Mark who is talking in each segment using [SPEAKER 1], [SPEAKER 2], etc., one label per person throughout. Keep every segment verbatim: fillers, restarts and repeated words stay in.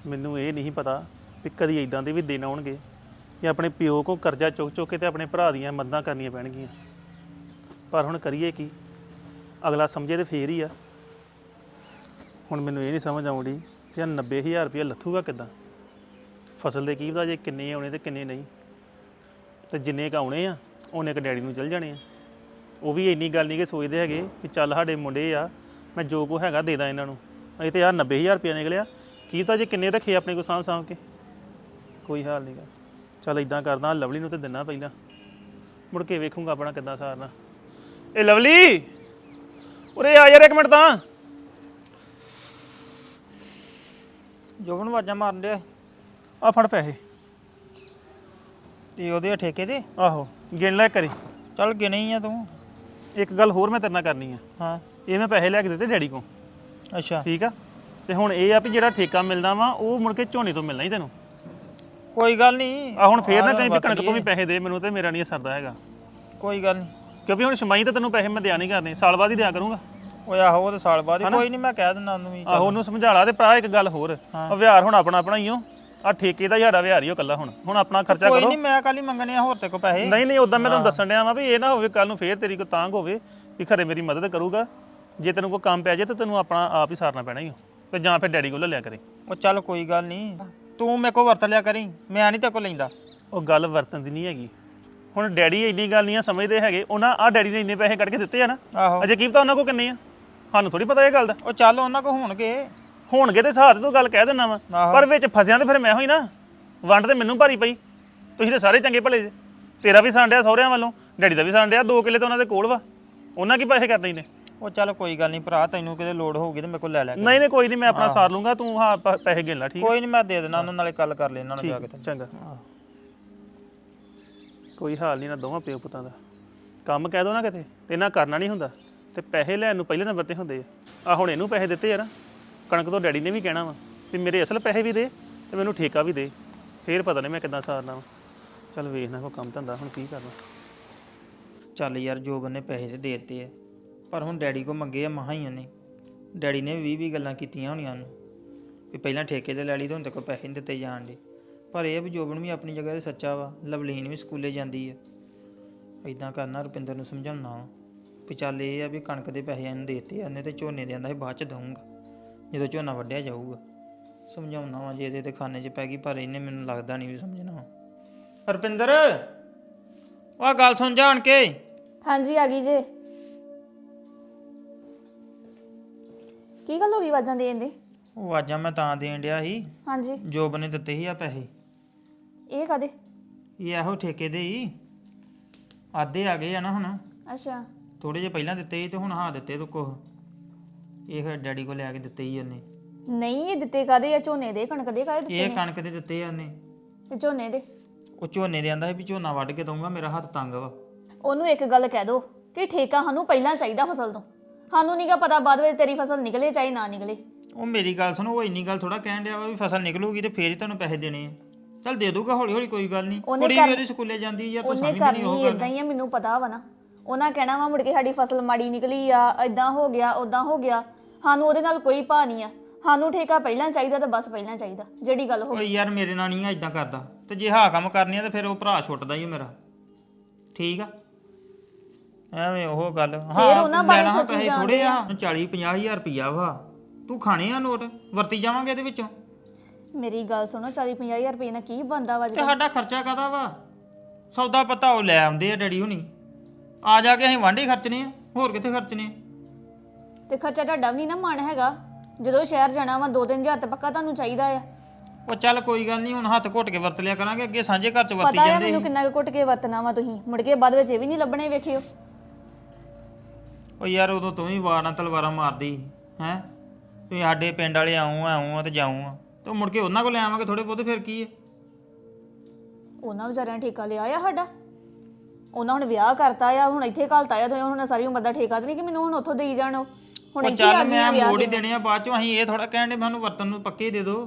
[SPEAKER 1] ਮੈਨੂੰ ਇਹ ਨਹੀਂ ਪਤਾ ਵੀ ਕਦੀ ਇਦਾਂ ਦੇ ਵੀ ਦਿਨ ਆਉਣਗੇ ਕਿ ਆਪਣੇ ਪਿਓ ਕੋ ਕਰਜ਼ਾ ਚੁੱਕ ਚੁੱਕ ਕੇ ਤੇ ਆਪਣੇ ਭਰਾ ਦੀਆਂ ਮਦਦਾਂ ਕਰਨੀਆਂ ਪੈਣਗੀਆਂ। ਪਰ ਹੁਣ ਕਰੀਏ ਕੀ, ਅਗਲਾ ਸਮਝੇ ਤੇ ਫੇਰ ਹੀ ਆ। ਹੁਣ ਮੈਨੂੰ ਇਹ ਨਹੀਂ ਸਮਝ ਆਉਂਦੀ ਕਿ ਨੱਬੇ ਹਜ਼ਾਰ ਰੁਪਇਆ ਲੱਥੂਗਾ ਕਿੱਦਾਂ। ਫਸਲ ਦੇ ਕੀ ਪਤਾ ਜੇ ਕਿੰਨੇ ਆਉਣੇ ਤੇ ਕਿੰਨੇ ਨਹੀਂ, ਤੇ ਜਿੰਨੇ ਕੁ ਆਉਣੇ ਆ ਉਹਨੇ ਕੁ ਡੈਡੀ ਨੂੰ ਚਲ ਜਾਣੇ ਆ। ਉਹ ਵੀ ਇੰਨੀ ਗੱਲ ਨਹੀਂ ਕਿ ਸੋਚਦੇ ਹੈਗੇ ਵੀ ਚੱਲ ਸਾਡੇ ਮੁੰਡੇ ਆ, ਮੈਂ ਜੋ ਕੋ ਹੈਗਾ ਦੇ ਦਾਂ ਇਹਨਾਂ ਨੂੰ। ਅਸੀਂ ਤੇ ਯਾਰ ਨੱਬੇ ਹਜ਼ਾਰ ਰੁਪਇਆ ਨਿਕਲਿਆ, ਕੀ ਪਤਾ ਜੇ ਕਿੰਨੇ ਰੱਖੇ ਆਪਣੇ ਕੋਲ ਸਾਂਭ ਸਾਂਭ ਕੇ। ਕੋਈ ਹਾਲ ਨਹੀਂ ਗਾ। ਚੱਲ ਇਦਾਂ ਕਰਦਾ, ਲਵਲੀ ਨੂੰ ਤੇ ਦਿਨਾ ਪਹਿਲਾਂ, ਮੁੜ ਕੇ ਵੇਖੂੰਗਾ ਆਪਣਾ ਕਿੱਦਾਂ ਸਾਰਨਾ। ਇਹ ਲਵਲੀ ਉਰੇ ਆ ਯਾਰ ਇੱਕ ਮਿੰਟ ਤਾਂ।
[SPEAKER 2] ਜੋਬਨ ਆਵਾਜ਼ਾਂ ਮਾਰਨ ਡਿਆ
[SPEAKER 1] ਆ ਫੜ ਪੈਸੇ।
[SPEAKER 2] ਤੇ ਉਹਦੇ ਠੇਕੇ ਦੇ?
[SPEAKER 1] ਆਹੋ ਗਿਣ ਲੈ ਕਰੀ।
[SPEAKER 2] ਚੱਲ ਗਿਣੇ ਹੀ ਆ ਤੂੰ।
[SPEAKER 1] ਇੱਕ ਗੱਲ ਹੋਰ ਮੈਂ ਤੇਰੇ ਨਾਲ ਕਰਨੀ ਆ।
[SPEAKER 2] ਹਾਂ
[SPEAKER 1] ਇਹ ਮੈਂ ਪੈਸੇ ਲੈ ਕੇ ਦਿੱਤੇ ਡੈਡੀ ਕੋਲ,
[SPEAKER 2] ਅੱਛਾ
[SPEAKER 1] ਠੀਕ ਆ। ਤੇ ਹੁਣ ਇਹ ਆ ਵੀ ਜਿਹੜਾ ਠੇਕਾ ਮਿਲਦਾ ਵਾ ਉਹ ਮੁੜ ਕੇ ਝੋਨੇ ਤੋਂ ਮਿਲਣਾ ਹੀ ਤੈਨੂੰ।
[SPEAKER 2] ਕੋਈ ਗੱਲ ਨਹੀਂ।
[SPEAKER 1] ਆ ਹੁਣ ਫੇਰ ਨਾ ਕਹੀਂ ਵੀ ਕਣਕ ਤੋਂ ਵੀ ਪੈਸੇ ਦੇ ਮੈਨੂੰ, ਤੇ ਮੇਰਾ ਨਹੀਂ ਸਰਦਾ ਹੈਗਾ।
[SPEAKER 2] ਕੋਈ ਗੱਲ ਨਹੀਂ,
[SPEAKER 1] ਕਿਉਂਕਿ ਹੁਣ ਛਮਾਈ ਤੇ ਤੈਨੂੰ ਪੈਸੇ ਮੈਂ ਦਿਆ ਨਹੀਂ ਕਰਨੇ, ਸਾਲ ਬਾਅਦ ਹੀ ਦਿਆ ਕਰੂੰਗਾ।
[SPEAKER 2] ਓਏ ਆਹੋ ਉਹ ਤਾਂ ਸਾਲ ਬਾਅਦ ਹੀ। ਕੋਈ ਨਹੀਂ ਮੈਂ ਕਹਿ ਦਿੰਦਾ ਉਹਨੂੰ ਵੀ।
[SPEAKER 1] ਆਹੋ ਉਹਨੂੰ ਸਮਝਾ ਲਾ। ਤੇ ਭਰਾ ਇੱਕ ਗੱਲ ਹੋਰ, ਆ ਵਿਹਾਰ ਹੁਣ ਆਪਣਾ ਆਪਣਾ ਹੀ ਹੋ। ਆ ਠੇਕੇ ਦਾ ਸਾਡਾ ਵਿਹਾਰ ਹੀ ਉਹ ਕੱਲਾ। ਹੁਣ ਹੁਣ ਆਪਣਾ ਖਰਚਾ ਕਰੋ।
[SPEAKER 2] ਕੋਈ ਨਹੀਂ ਮੈਂ ਕੱਲ ਹੀ ਮੰਗਣੇ ਆ ਹੋਰ ਤੇ ਕੋ ਪੈਸੇ।
[SPEAKER 1] ਨਹੀਂ ਨਹੀਂ ਉਦਾਂ ਮੈਂ ਤੁਹਾਨੂੰ ਦੱਸਣ ਡਿਆ ਵਾਂ ਵੀ ਇਹ ਨਾ ਹੋਵੇ ਕੱਲ ਨੂੰ ਫੇਰ ਤੇਰੀ ਕੋ ਤਾਂਗ ਹੋਵੇ ਵੀ ਖਰੇ ਮੇਰੀ ਮਦਦ ਕਰੂਗਾ। ਜੇ ਤੈਨੂੰ ਕੋਈ ਕੰਮ ਪੈ ਜਾਏ ਤਾਂ ਤੈਨੂੰ ਆਪਣਾ ਆਪ ਹੀ ਸਾਰਨਾ ਪੈਣਾ ਹੀ ਹੋ, ਤੇ ਜਾਂ ਫਿਰ ਡੈਡੀ ਕੋਲ ਲੈ ਲਿਆ ਕਰੇ।
[SPEAKER 2] ਉਹ ਚੱਲ ਕੋਈ ਗੱਲ ਨਹੀਂ, ਤੂੰ ਮੇਰੇ ਕੋ ਵਰਤ ਲਿਆ ਕਰੀ, ਮੈਂ ਨਹੀਂ ਤੇ ਕੋ ਲੈਂਦਾ।
[SPEAKER 1] ਉਹ ਗੱਲ ਵਰਤਨ ਦੀ ਨਹੀਂ ਹੈਗੀ। ਹੁਣ ਡੈਡੀ ਇੰਨੀ ਗੱਲ ਨਹੀਂ ਆ ਸਮਝਦੇ ਹੈਗੇ। ਉਹਨਾਂ ਆ ਡੈਡੀ ਨੇ ਇੰਨੇ ਪੈਸੇ ਕੱਢ ਕੇ ਦਿੱਤੇ ਆ ਨਾ,
[SPEAKER 2] ਆਹੋ
[SPEAKER 1] ਅਜੇ ਕੀ ਪਤਾ ਉਹਨਾਂ ਕੋ ਕਿੰਨੇ ਆ, ਸਾਨੂੰ ਥੋੜੀ ਪਤਾ ਇਹ ਗੱਲ ਦਾ।
[SPEAKER 2] ਉਹ ਚੱਲ ਉਹਨਾਂ ਕੋ ਹੋਣਗੇ
[SPEAKER 1] ਹੋਣਗੇ ਤੇ ਸਾਥ ਤੂੰ ਗੱਲ ਕਹਿ ਦਿੰਦਾ ਵਾ,
[SPEAKER 2] ਆਹੋ।
[SPEAKER 1] ਪਰ ਵਿੱਚ ਫਸਿਆ ਤੇ ਫਿਰ ਮੈਂ ਹੋਈ ਨਾ। ਵੰਡ ਤੇ ਮੈਨੂੰ ਭਾਰੀ ਪਈ। ਤੁਸੀਂ ਤੇ ਸਾਰੇ ਚੰਗੇ ਭਲੇ ਜੇ। ਤੇਰਾ ਵੀ ਸਾਂਡਿਆ ਸਹੁਰਿਆਂ ਵੱਲੋਂ, ਡੈਡੀ ਦਾ ਵੀ ਸਾਂਡਿਆ। ਦੋ ਕਿੱਲੇ ਤਾਂ ਉਹਨਾਂ ਦੇ ਕੋਲ ਵਾ, ਉਹਨਾਂ ਕੀ ਪੈਸੇ ਕਰਨੇ ਨੇ।
[SPEAKER 2] ਉਹ ਚੱਲ ਕੋਈ ਗੱਲ ਨਹੀਂ ਭਰਾ, ਤੈਨੂੰ ਕਿਤੇ ਲੋੜ ਹੋਊਗੀ ਤੇ ਮੇਰੇ ਕੋਲ ਲੈ ਲਿਆ ਕਰ।
[SPEAKER 1] ਨਹੀਂ ਨਹੀਂ ਕੋਈ ਨਹੀਂ, ਮੈਂ ਆਪਣਾ ਸਾਰ ਲੂੰਗਾ। ਤੂੰ ਹਾਂ ਪ- ਪੈਸੇ ਗਿਣ ਲੈ, ਠੀਕ
[SPEAKER 2] ਕੋਈ ਨਹੀਂ ਮੈਂ ਦੇ ਦੇਣਾ ਉਹਨਾਂ ਨਾਲੇ ਗੱਲ ਕਰ ਲੈ ਇਹਨਾਂ ਨੂੰ ਜਾ ਕੇ
[SPEAKER 1] ਹੈ? ਚੰਗਾ। ਕੋਈ ਹਾਲ ਨਹੀਂ ਨਾ ਦੋਵਾਂ ਪਿਓ ਪੁੱਤਾਂ ਦਾ। ਕੰਮ ਕਹਿ ਦੋ ਨਾ ਕਿਤੇ ਤੇ ਇਹਨਾਂ ਕਰਨਾ ਨਹੀਂ ਹੁੰਦਾ, ਤੇ ਪੈਸੇ ਲੈਣ ਨੂੰ ਪਹਿਲੇ ਨੰਬਰ ਤੇ ਹੁੰਦੇ ਆ। ਆ ਹੁਣ ਇਹਨੂੰ ਪੈਸੇ ਦਿੱਤੇ ਯਾਰ, ਕਣਕ ਤੋਂ ਡੈਡੀ ਨੇ ਵੀ ਕਹਿਣਾ ਵਾ ਵੀ ਮੇਰੇ ਅਸਲ ਪੈਸੇ ਵੀ ਦੇ ਤੇ ਮੈਨੂੰ ਠੇਕਾ ਵੀ ਦੇ। ਫੇਰ ਪਤਾ ਨਹੀਂ ਮੈਂ ਕਿੱਦਾਂ ਸਾਰਨਾ ਵਾ। ਚੱਲ ਵੇਖਣਾ ਕੋਈ ਕੰਮ ਧੰਦਾ ਹੁਣ ਕੀ ਕਰਨਾ।
[SPEAKER 2] ਚੱਲ ਯਾਰ ਜੋਬਨ ਨੇ ਪੈਸੇ ਤੇ ਦੇ ਦਿੱਤੇ ਆ, ਪਰ ਹੁਣ ਡੈਡੀ ਕੋ ਮੰਗੇ ਆ ਮਹਾਂ ਹੀ ਉਹਨੇ। ਡੈਡੀ ਨੇ ਵੀਹ ਵੀਹ ਗੱਲਾਂ ਕੀਤੀਆਂ ਹੋਣੀਆਂ ਉਹਨੂੰ ਵੀ ਪਹਿਲਾਂ ਠੇਕੇ ਤੇ ਲੈ ਲਈ ਤੇ ਹੁਣ ਤੇ ਕੋਈ ਪੈਸੇ ਨਹੀਂ ਦਿੱਤੇ ਜਾਣ ਦੇ। ਪਰ ਇਹ ਵੀ ਜੋਬਨ ਵੀ ਆਪਣੀ ਜਗ੍ਹਾ ਤੇ ਸੱਚਾ ਵਾ। ਲਵਲੀਨ ਵੀ ਸਕੂਲੇ ਜਾਂਦੀ ਆ। ਇਦਾਂ ਕਰਨਾ, ਰੁਪਿੰਦਰ ਨੂੰ ਸਮਝਾਉਣਾ ਵਾ ਵੀ ਚੱਲ ਇਹ ਆ ਵੀ ਕਣਕ ਦੇ ਪੈਸੇ ਇਹਨੂੰ ਦੇ ਦਿੱਤੇ ਆ ਉਹਨੇ, ਤੇ ਝੋਨੇ ਦੇ ਆਂਦਾ ਸੀ ਬਾਅਦ ਚ ਦਊਂਗਾ ਜਦੋਂ ਝੋਨਾ ਵੱਢਿਆ ਜਾਊਗਾ। ਸਮਝਾਉਣਾ ਵਾ ਜੇ ਇਹਦੇ ਤੇ ਖਾਨੇ 'ਚ ਪੈ ਗਈ, ਪਰ ਇਹਨੇ ਮੈਨੂੰ ਲੱਗਦਾ ਨਹੀਂ ਵੀ ਸਮਝਣਾ ਵਾ। ਰੁਪਿੰਦਰ ਆਹ ਗੱਲ ਸੁਣ ਜਾਣ ਕੇ।
[SPEAKER 3] ਹਾਂਜੀ ਆ ਗਈ ਜੇ। ਕੀ ਗੱਲ ਹੋ ਗਈ ਆਵਾਜ਼ਾਂ ਦੇਣ ਦੀ?
[SPEAKER 2] ਉਹ ਆਵਾਜ਼ਾਂ ਮੈਂ ਤਾਂ ਦੇਣ ਡਿਆ ਸੀ,
[SPEAKER 3] ਹਾਂਜੀ
[SPEAKER 2] ਜੋਬ ਨੇ ਦਿੱਤੇ ਸੀ ਆ ਪੈਸੇ।
[SPEAKER 3] ਇਹ ਕਾਦੇ?
[SPEAKER 2] ਇਹ ਇਹੋ ਠੇਕੇ ਦੇ ਹੀ ਆਧੇ ਆ ਗਏ ਆ ਨਾ ਹੁਣ।
[SPEAKER 3] ਅੱਛਾ
[SPEAKER 2] ਥੋੜੇ ਜਿਹੇ ਪਹਿਲਾਂ ਦਿੱਤੇ ਸੀ ਤੇ ਹੁਣ ਹਾਂ ਦਿੱਤੇ ਤੂੰ ਕੁਛ। ਇਹ ਫਿਰ ਡੈਡੀ ਕੋਲ ਲੈ ਕੇ ਦਿੱਤੇ ਸੀ ਉਹਨੇ।
[SPEAKER 3] ਨਹੀਂ ਇਹ ਦਿੱਤੇ ਕਾਦੇ ਆ? ਝੋਨੇ ਦੇ ਕਣਕ ਦੇ ਕਾਦੇ ਦਿੱਤੇ
[SPEAKER 2] ਇਹ
[SPEAKER 3] ਨੇ?
[SPEAKER 2] ਕਣਕ ਦੇ ਦਿੱਤੇ ਆ ਉਹਨੇ।
[SPEAKER 3] ਤੇ ਝੋਨੇ ਦੇ?
[SPEAKER 2] ਉਹ ਝੋਨੇ ਦੇ ਆਂਦਾ ਸੀ ਵੀ ਝੋਨਾ ਵੱਢ ਕੇ ਦਊਂਗਾ, ਮੇਰਾ ਹੱਥ ਤੰਗ ਵਾ।
[SPEAKER 3] ਉਹਨੂੰ ਇੱਕ ਗੱਲ ਕਹਿ ਦੋ ਕਿ ਠੇਕਾ ਸਾਨੂੰ ਪਹਿਲਾਂ ਚਾਹੀਦਾ ਫਸਲ ਤੋਂ। ਸਾਨੂੰ ਨਹੀਂਗਾ ਪਤਾ ਬਾਅਦ ਵਿੱਚ ਤੇਰੀ ਫਸਲ ਨਿਕਲੇ ਚਾਹੇ ਨਾ ਨਿਕਲੇ।
[SPEAKER 2] ਉਹ ਮੇਰੀ ਗੱਲ ਸੁਣੋ, ਉਹ ਇੰਨੀ ਗੱਲ ਥੋੜਾ ਕਹਿਣ ਡਿਆ ਵਾ ਵੀ ਫਸਲ ਨਿਕਲੂਗੀ ਤੇ ਫੇਰ ਹੀ ਤੁਹਾਨੂੰ ਪੈਸੇ ਦੇਣੇ ਆ। ਚੱਲ ਦੇ ਦੂਗਾ ਹੌਲੀ ਹੌਲੀ, ਕੋਈ ਗੱਲ ਨਹੀਂ। ਕੁੜੀ ਵੀ ਉਹਦੀ ਸਕੂਲੇ ਜਾਂਦੀ ਯਾਰ, ਤੂੰ
[SPEAKER 3] ਉਹਨੇ
[SPEAKER 2] ਸਮਝਦੀ ਨਹੀਂ ਉਹ
[SPEAKER 3] ਕਰਨੀ
[SPEAKER 2] ਗੱਲ।
[SPEAKER 3] ਇਦਾਂ ਹੀ ਆ, ਮੈਨੂੰ ਪਤਾ ਵਾ ਨਾ। ਉਹਨਾਂ ਕਹਿਣਾ ਵਾ ਮੁੜ ਕੇ ਸਾਡੀ ਫਸਲ ਮਾੜੀ ਨਿਕਲੀ ਆ, ਇਦਾਂ ਹੋ ਗਿਆ ਉਦਾਂ ਹੋ ਗਿਆ। ਸਾਨੂੰ ਉਹਦੇ ਨਾਲ ਕੋਈ ਭਾ ਨਹੀਂ ਆ। ਸਾਨੂੰ ਠੇਕਾ ਪਹਿਲਾਂ ਚਾਹੀਦਾ ਤਾਂ ਬਸ ਪਹਿਲਾਂ ਚਾਹੀਦਾ, ਜਿਹੜੀ ਗੱਲ ਹੋ
[SPEAKER 2] ਓਏ ਯਾਰ ਮੇਰੇ ਨਾਲ ਨਹੀਂ ਆ ਇਦਾਂ ਕਰਦਾ, ਤੇ ਜੇ ਹਾਂ ਕੰਮ ਕਰਨੀ ਆ ਤੇ ਫਿਰ ਉਹ ਭਰਾ ਛੁੱਟਦਾ ਹੀ ਮੇਰਾ, ਠੀਕ ਆ। ਐਵੇਂ ਉਹ ਗੱਲ। ਹਾਂ
[SPEAKER 3] ਉਹਨਾਂ ਬਾਰੇ
[SPEAKER 2] ਲੈਣਾ
[SPEAKER 3] ਸੋਚੀ
[SPEAKER 2] ਪੈਸੇ
[SPEAKER 3] ਜਾਂਦੇ
[SPEAKER 2] ਥੋੜੇ ਆ, ਚਾਲੀ ਪੰਜਾਹ ਹਜ਼ਾਰ ਰੁਪਈਆ ਵਾ। ਤੂੰ ਖਾਣੇ ਆ ਨੋਟ, ਵਰਤੀ ਜਾਵਾਂਗੇ ਇਹਦੇ ਵਿੱਚੋਂ।
[SPEAKER 3] ਮੇਰੀ ਗੱਲ ਸੁਣੋ, ਚਾਲੀ ਪੰਜਾਹ ਹਜ਼ਾਰ ਰੁਪਏ ਨਾਲ ਕੀ ਬਣਦਾ ਵਾ?
[SPEAKER 2] ਤੇ ਸਾਡਾ ਖਰਚਾ ਕਾਹਦਾ ਵਾ? ਸੌਦਾ ਪਤਾ ਉਹ ਲੈ ਆਉਂਦੇ ਆ ਡੈਡੀ ਹੁਣੀ, ਆ ਜਾ ਕੇ ਅਸੀਂ ਵਾਂਢੇ ਖਰਚਣੇ ਆ, ਹੋਰ ਕਿੱਥੇ ਖਰਚਣੇ ਆ।
[SPEAKER 3] ਤੇ ਖਰਚਾ ਤੁਹਾਡਾ ਵੀ ਨਾ ਮਨ ਹੈਗਾ? ਜਦੋਂ ਸ਼ਹਿਰ ਜਾਣਾ ਵਾ ਦੋ ਤਿੰਨ ਹਜ਼ਾਰ ਤਾਂ ਪੱਕਾ ਤੁਹਾਨੂੰ ਚਾਹੀਦਾ ਆ।
[SPEAKER 2] ਉਹ ਚੱਲ ਕੋਈ ਗੱਲ ਨਹੀਂ, ਹੁਣ ਹੱਥ ਘੁੱਟ ਕੇ ਵਰਤ ਲਿਆ ਕਰਾਂਗੇ। ਅੱਗੇ ਸਾਂਝੇ ਘਰ ਚ ਵਰਤੀ
[SPEAKER 3] ਪਤਾ ਆ
[SPEAKER 2] ਜਾਂਦੇ
[SPEAKER 3] ਮੈਨੂੰ
[SPEAKER 2] ਸੀ।
[SPEAKER 3] ਕਿੰਨਾ ਕੁ ਘੁੱਟ ਕੇ ਵਰਤਣਾ ਵਾ ਤੁਸੀਂ, ਮੁੜ ਕੇ ਬਾਅਦ ਵਿੱਚ ਇਹ ਵੀ ਨਹੀਂ ਲੱਭਣੇ, ਵੇਖਿਓ।
[SPEAKER 2] ਉਹ ਯਾਰ ਉਦੋਂ ਤੂੰ ਵੀ ਵਾਰਾਂ ਤਲਵਾਰਾਂ ਮਾਰਦੀ ਹੈ, ਤੁਸੀਂ ਸਾਡੇ ਪਿੰਡ ਵਾਲੇ ਆਉਂ ਆਉਂ ਆ ਤੇ ਜਾਉਂ ਆ, ਤੇ ਮੁੜ ਕੇ ਉਹਨਾਂ ਕੋਲ ਲੈ ਆਵਾਂਗੇ ਥੋੜੇ ਬਹੁਤੇ, ਫਿਰ ਕੀ ਹੈ।
[SPEAKER 3] ਉਹਨਾਂ ਵਿਚਾਰਿਆਂ ਨੇ ਠੇਕਾ ਲਿਆ ਆ ਸਾਡਾ। ਉਹਨਾਂ ਹੁਣ ਵਿਆਹ ਕਰਤਾ ਆ, ਹੁਣ ਇੱਥੇ ਘਲਤਾ ਆ, ਤੇ ਹੁਣ ਸਾਰੀ ਉਮਰ ਦਾ ਠੇਕਾ ਤੇ ਨਹੀਂ ਕਿ ਮੈਨੂੰ ਹੁਣ ਉੱਥੋਂ ਦੇਈ ਜਾਣ। ਉਹ ਹੁਣ
[SPEAKER 2] ਉਹ
[SPEAKER 3] ਇੱਥੇ ਆ
[SPEAKER 2] ਚੱਲ
[SPEAKER 3] ਗਈਆਂ
[SPEAKER 2] ਮੈਂ
[SPEAKER 3] ਵਿਆਹ
[SPEAKER 2] ਮੋੜ ਹੀ
[SPEAKER 3] ਕੇ।
[SPEAKER 2] ਦੇਣੇ ਆ ਬਾਅਦ ਚੋਂ। ਅਸੀਂ ਇਹ ਥੋੜਾ ਕਹਿਣ ਦੇ ਮੈਨੂੰ ਵਰਤਨ ਨੂੰ ਪੱਕੇ ਦੇ ਦਿਓ।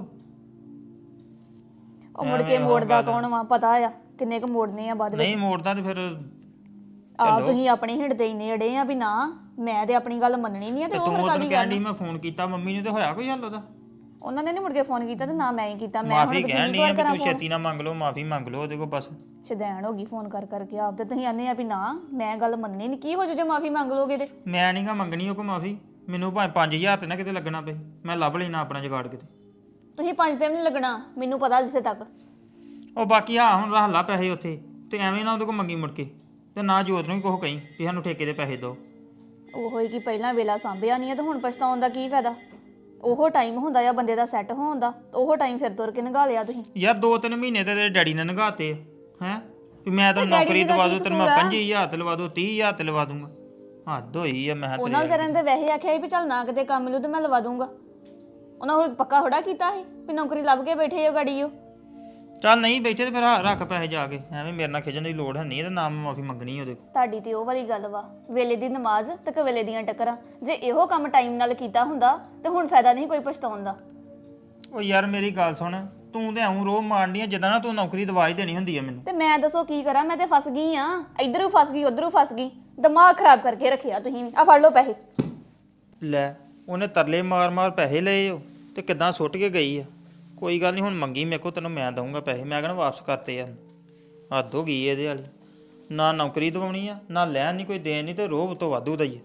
[SPEAKER 3] ਉਹ ਮੁੜ ਕੇ ਮੋੜਦਾ ਕੌਣ ਵਾ? ਪਤਾ ਆ ਕਿੰਨੇ ਕੁ ਮੋੜਨੇ ਆ ਬਾਅਦ ਵਿੱਚ।
[SPEAKER 2] ਨਹੀਂ ਮੋੜਦਾ ਤੇ ਫਿਰ
[SPEAKER 3] ਆ ਤੁਸੀਂ ਆਪਣੀ ਹਿੰਡ ਤੇ ਇੰਨੇ ਅੜੇ ਆ ਵੀ ਨਾ ਮੈਂ ਤੇ ਆਪਣੀ ਗੱਲ ਮੰਨਣੀ ਨਹੀਂ ਆ, ਤੇ ਉਹ
[SPEAKER 2] ਤੂੰ
[SPEAKER 3] ਫਿਰ
[SPEAKER 2] ਉਹਨੂੰ
[SPEAKER 3] ਕਾਦੀ
[SPEAKER 2] ਕਹਿਣ
[SPEAKER 3] ਗੱਲ?
[SPEAKER 2] ਦੀ ਮੈਂ ਫੋਨ ਕੀਤਾ ਮੰਮੀ ਨੂੰ, ਤੇ ਹੋਇਆ ਕੋਈ ਹੱਲ ਉਹਦਾ?
[SPEAKER 3] ਉਹਨਾਂ ਨੇ ਨਹੀਂ ਮੁੜ ਕੇ ਫੋਨ ਕੀਤਾ ਤੇ ਨਾ ਮੈਂ ਹੀ ਕੀਤਾ। ਮੈਂ
[SPEAKER 2] ਮਾਫੀ ਕਹਿਣ ਨਹੀਂ ਆ ਵੀ ਤੂੰ ਛੇਤੀ ਨਾ ਮੰਗ ਲਓ, ਮਾਫੀ ਮੰਗ ਲਓ ਉਹਦੇ ਕੋਲ ਬਸ।
[SPEAKER 3] ਸ਼ਦੈਣ ਹੋ ਗਈ ਫੋਨ ਕਰ ਕਰਕੇ ਆਪ ਤੇ ਤੁਸੀਂ ਆਨੇ ਆ ਵੀ ਨਾ ਮੈਂ ਗੱਲ ਮੰਨਣੀ ਨਹੀਂ। ਕੀ ਹੋ ਜੂ ਜੇ ਮਾਫੀ ਮੰਗ ਲੋਗੇ ਤੇ?
[SPEAKER 2] ਮੈਂ ਨਹੀਂਗਾ ਮੰਗਣੀ ਉਹ ਕੋ ਮਾਫੀ, ਮੈਨੂੰ ਭਾਵੇਂ ਪੰਜ ਹਜ਼ਾਰ ਤੇ ਨਾ ਕਿਤੇ ਲੱਗਣਾ ਪਏ, ਮੈਂ ਲੱਭ ਲੈਣਾ ਆਪਣਾ ਜੁਗਾੜ ਕਿਤੇ।
[SPEAKER 3] ਤੁਸੀਂ ਪੰਜ ਦਿਨ ਨਹੀਂ ਲੱਗਣਾ ਮੈਨੂੰ ਪਤਾ ਜਿੱਥੇ ਤੱਕ।
[SPEAKER 2] ਉਹ ਬਾਕੀ ਆ ਹੁਣ ਰੱਖ ਲਾ ਪੈਸੇ ਉੱਥੇ ਤੇ ਐਵੇਂ ਨਾ ਉਹਦੇ ਕੋਲ ਮੰਗੀ ਮੁੜ ਕੇ, ਤੇ ਨਾ ਜੋਤ ਨੂੰ ਵੀ ਕੁਛ ਕਹੀਂ ਵੀ ਸਾਨੂੰ ਠੇਕੇ ਦੇ ਪੈਸੇ ਦਿਓ।
[SPEAKER 3] ਉਹੋ ਹੀ ਕਿ ਪਹਿਲਾਂ ਵੇਲਾ ਸਾਂਭਿਆ ਨਹੀਂ ਹੈ ਤੇ ਹੁਣ ਪਛਤਾਉਣ ਦਾ ਕੀ ਫਾਇਦਾ? ਉਹੋ ਟਾਈਮ ਹੁੰਦਾ ਆ ਬੰਦੇ ਦਾ ਸੈੱਟ ਹੋਣ ਦਾ, ਉਹੋ ਟਾਈਮ ਫਿਰ ਤੁਰ ਕੇ ਨਿਭਾ ਲਿਆ ਤੁਸੀਂ।
[SPEAKER 2] ਯਾਰ ਦੋ ਤਿੰਨ ਮਹੀਨੇ ਤੇ ਤੇਰੇ ਡੈਡੀ ਨੇ ਨਗਾਤੇ ਹੈ ਵੀ ਮੈਂ ਤਾਂ ਨੌਕਰੀ ਦਵਾ ਦੂੰ ਤੈਨੂੰ, ਮੈਂ ਪੰਜੀ ਹਜ਼ਾਰ ਤੇ ਲਵਾ ਦੂੰ, ਤੀਹ ਹਜ਼ਾਰ ਤੇ ਲਵਾ ਦੂੰਗਾ। ਹੱਦ ਹੋਈ ਆ। ਮੈਂ
[SPEAKER 3] ਉਹਨਾਂ ਵਿਚਾਰਿਆਂ ਨੇ ਵੈਸੇ ਆਖਿਆ ਸੀ ਵੀ ਚੱਲ ਨਾ ਕਿਤੇ ਕੰਮ ਮਿਲੂ ਤੇ ਮੈਂ ਲਵਾ ਦੂੰਗਾ। ਉਹਨਾਂ ਹੁਣ ਪੱਕਾ ਥੋੜਾ ਕੀਤਾ ਸੀ ਵੀ ਨੌਕਰੀ ਲੱਭ ਕੇ ਬੈਠੇ ਹੋ ਗਾੜੀ ਉਹ।
[SPEAKER 2] ਚੱਲ ਨਹੀਂ ਬੈਠੇ ਤੇ ਫਿਰ ਰੱਖ ਪੈਸੇ ਜਾ ਕੇ, ਐਵੇਂ ਮੇਰੇ ਨਾਲ ਖਿਜਣ ਦੀ ਲੋੜ ਹੈ ਨਹੀਂ ਤੇ ਨਾ ਮੈਂ ਮਾਫੀ ਮੰਗਣੀ ਉਹਦੇ ਕੋਲ।
[SPEAKER 3] ਤੁਹਾਡੀ ਤੇ ਉਹ ਵਾਲੀ ਗੱਲ ਵਾ, ਵੇਲੇ ਦੀ ਨਮਾਜ਼ ਤੇ ਕਵੇਲੇ ਦੀਆਂ ਟੱਕਰਾਂ। ਜੇ ਇਹੋ ਕੰਮ ਟਾਈਮ ਨਾਲ ਕੀਤਾ ਹੁੰਦਾ ਤੇ ਹੁਣ ਫਾਇਦਾ ਨਹੀਂ ਕੋਈ ਪਛਤਾਉਣ ਦਾ।
[SPEAKER 2] ਉਹ ਯਾਰ ਮੇਰੀ ਗੱਲ ਸੁਣ, ਤੂੰ ਤੇ ਐਉਂ ਰੋਹ ਮਾਰਨੀ ਆ ਜਿੱਦਾਂ ਨਾ ਤੂੰ ਨੌਕਰੀ ਦਵਾ ਹੀ ਦੇਣੀ ਹੁੰਦੀ ਆ ਮੈਨੂੰ।
[SPEAKER 3] ਤੇ ਮੈਂ ਦੱਸੋ ਕੀ ਕਰਾਂ? ਮੈਂ ਤੇ ਫਸ ਗਈ ਆ, ਇਧਰੋਂ ਫਸ ਗਈ ਉਧਰੋਂ ਫਸ ਗਈ। ਦਿਮਾਗ ਖਰਾਬ ਕਰਕੇ ਰੱਖਿਆ ਤੁਸੀਂ ਵੀ। ਆ ਫੜ ਲਓ ਪੈਸੇ।
[SPEAKER 2] ਲੈ ਉਹਨੇ ਤਰਲੇ ਮਾਰ ਮਾਰ ਪੈਸੇ ਲਏ ਉਹ ਤੇ ਕਿੱਦਾਂ ਸੁੱਟ ਕੇ ਗਈ ਆ। ਕੋਈ ਗੱਲ ਨਹੀਂ ਹੁਣ ਮੰਗੀ ਮੇਰੇ ਕੋਲ, ਤੈਨੂੰ ਮੈਂ ਦਊਂਗਾ ਪੈਸੇ। ਮੈਂ ਕਹਿੰਦਾ ਵਾਪਸ ਕਰਤੇ ਯਾਰ, ਹੱਦ ਹੋ ਗਈ ਇਹਦੇ ਵਾਲੀ। ਨਾ ਨੌਕਰੀ ਦਵਾਉਣੀ ਆ, ਨਾ ਲੈਣ ਨਹੀਂ ਕੋਈ ਦੇਣ ਨਹੀਂ, ਤੇ ਰੋਹ ਤੋਂ ਵਾਧੂ ਦਾ ਹੀ ਆ।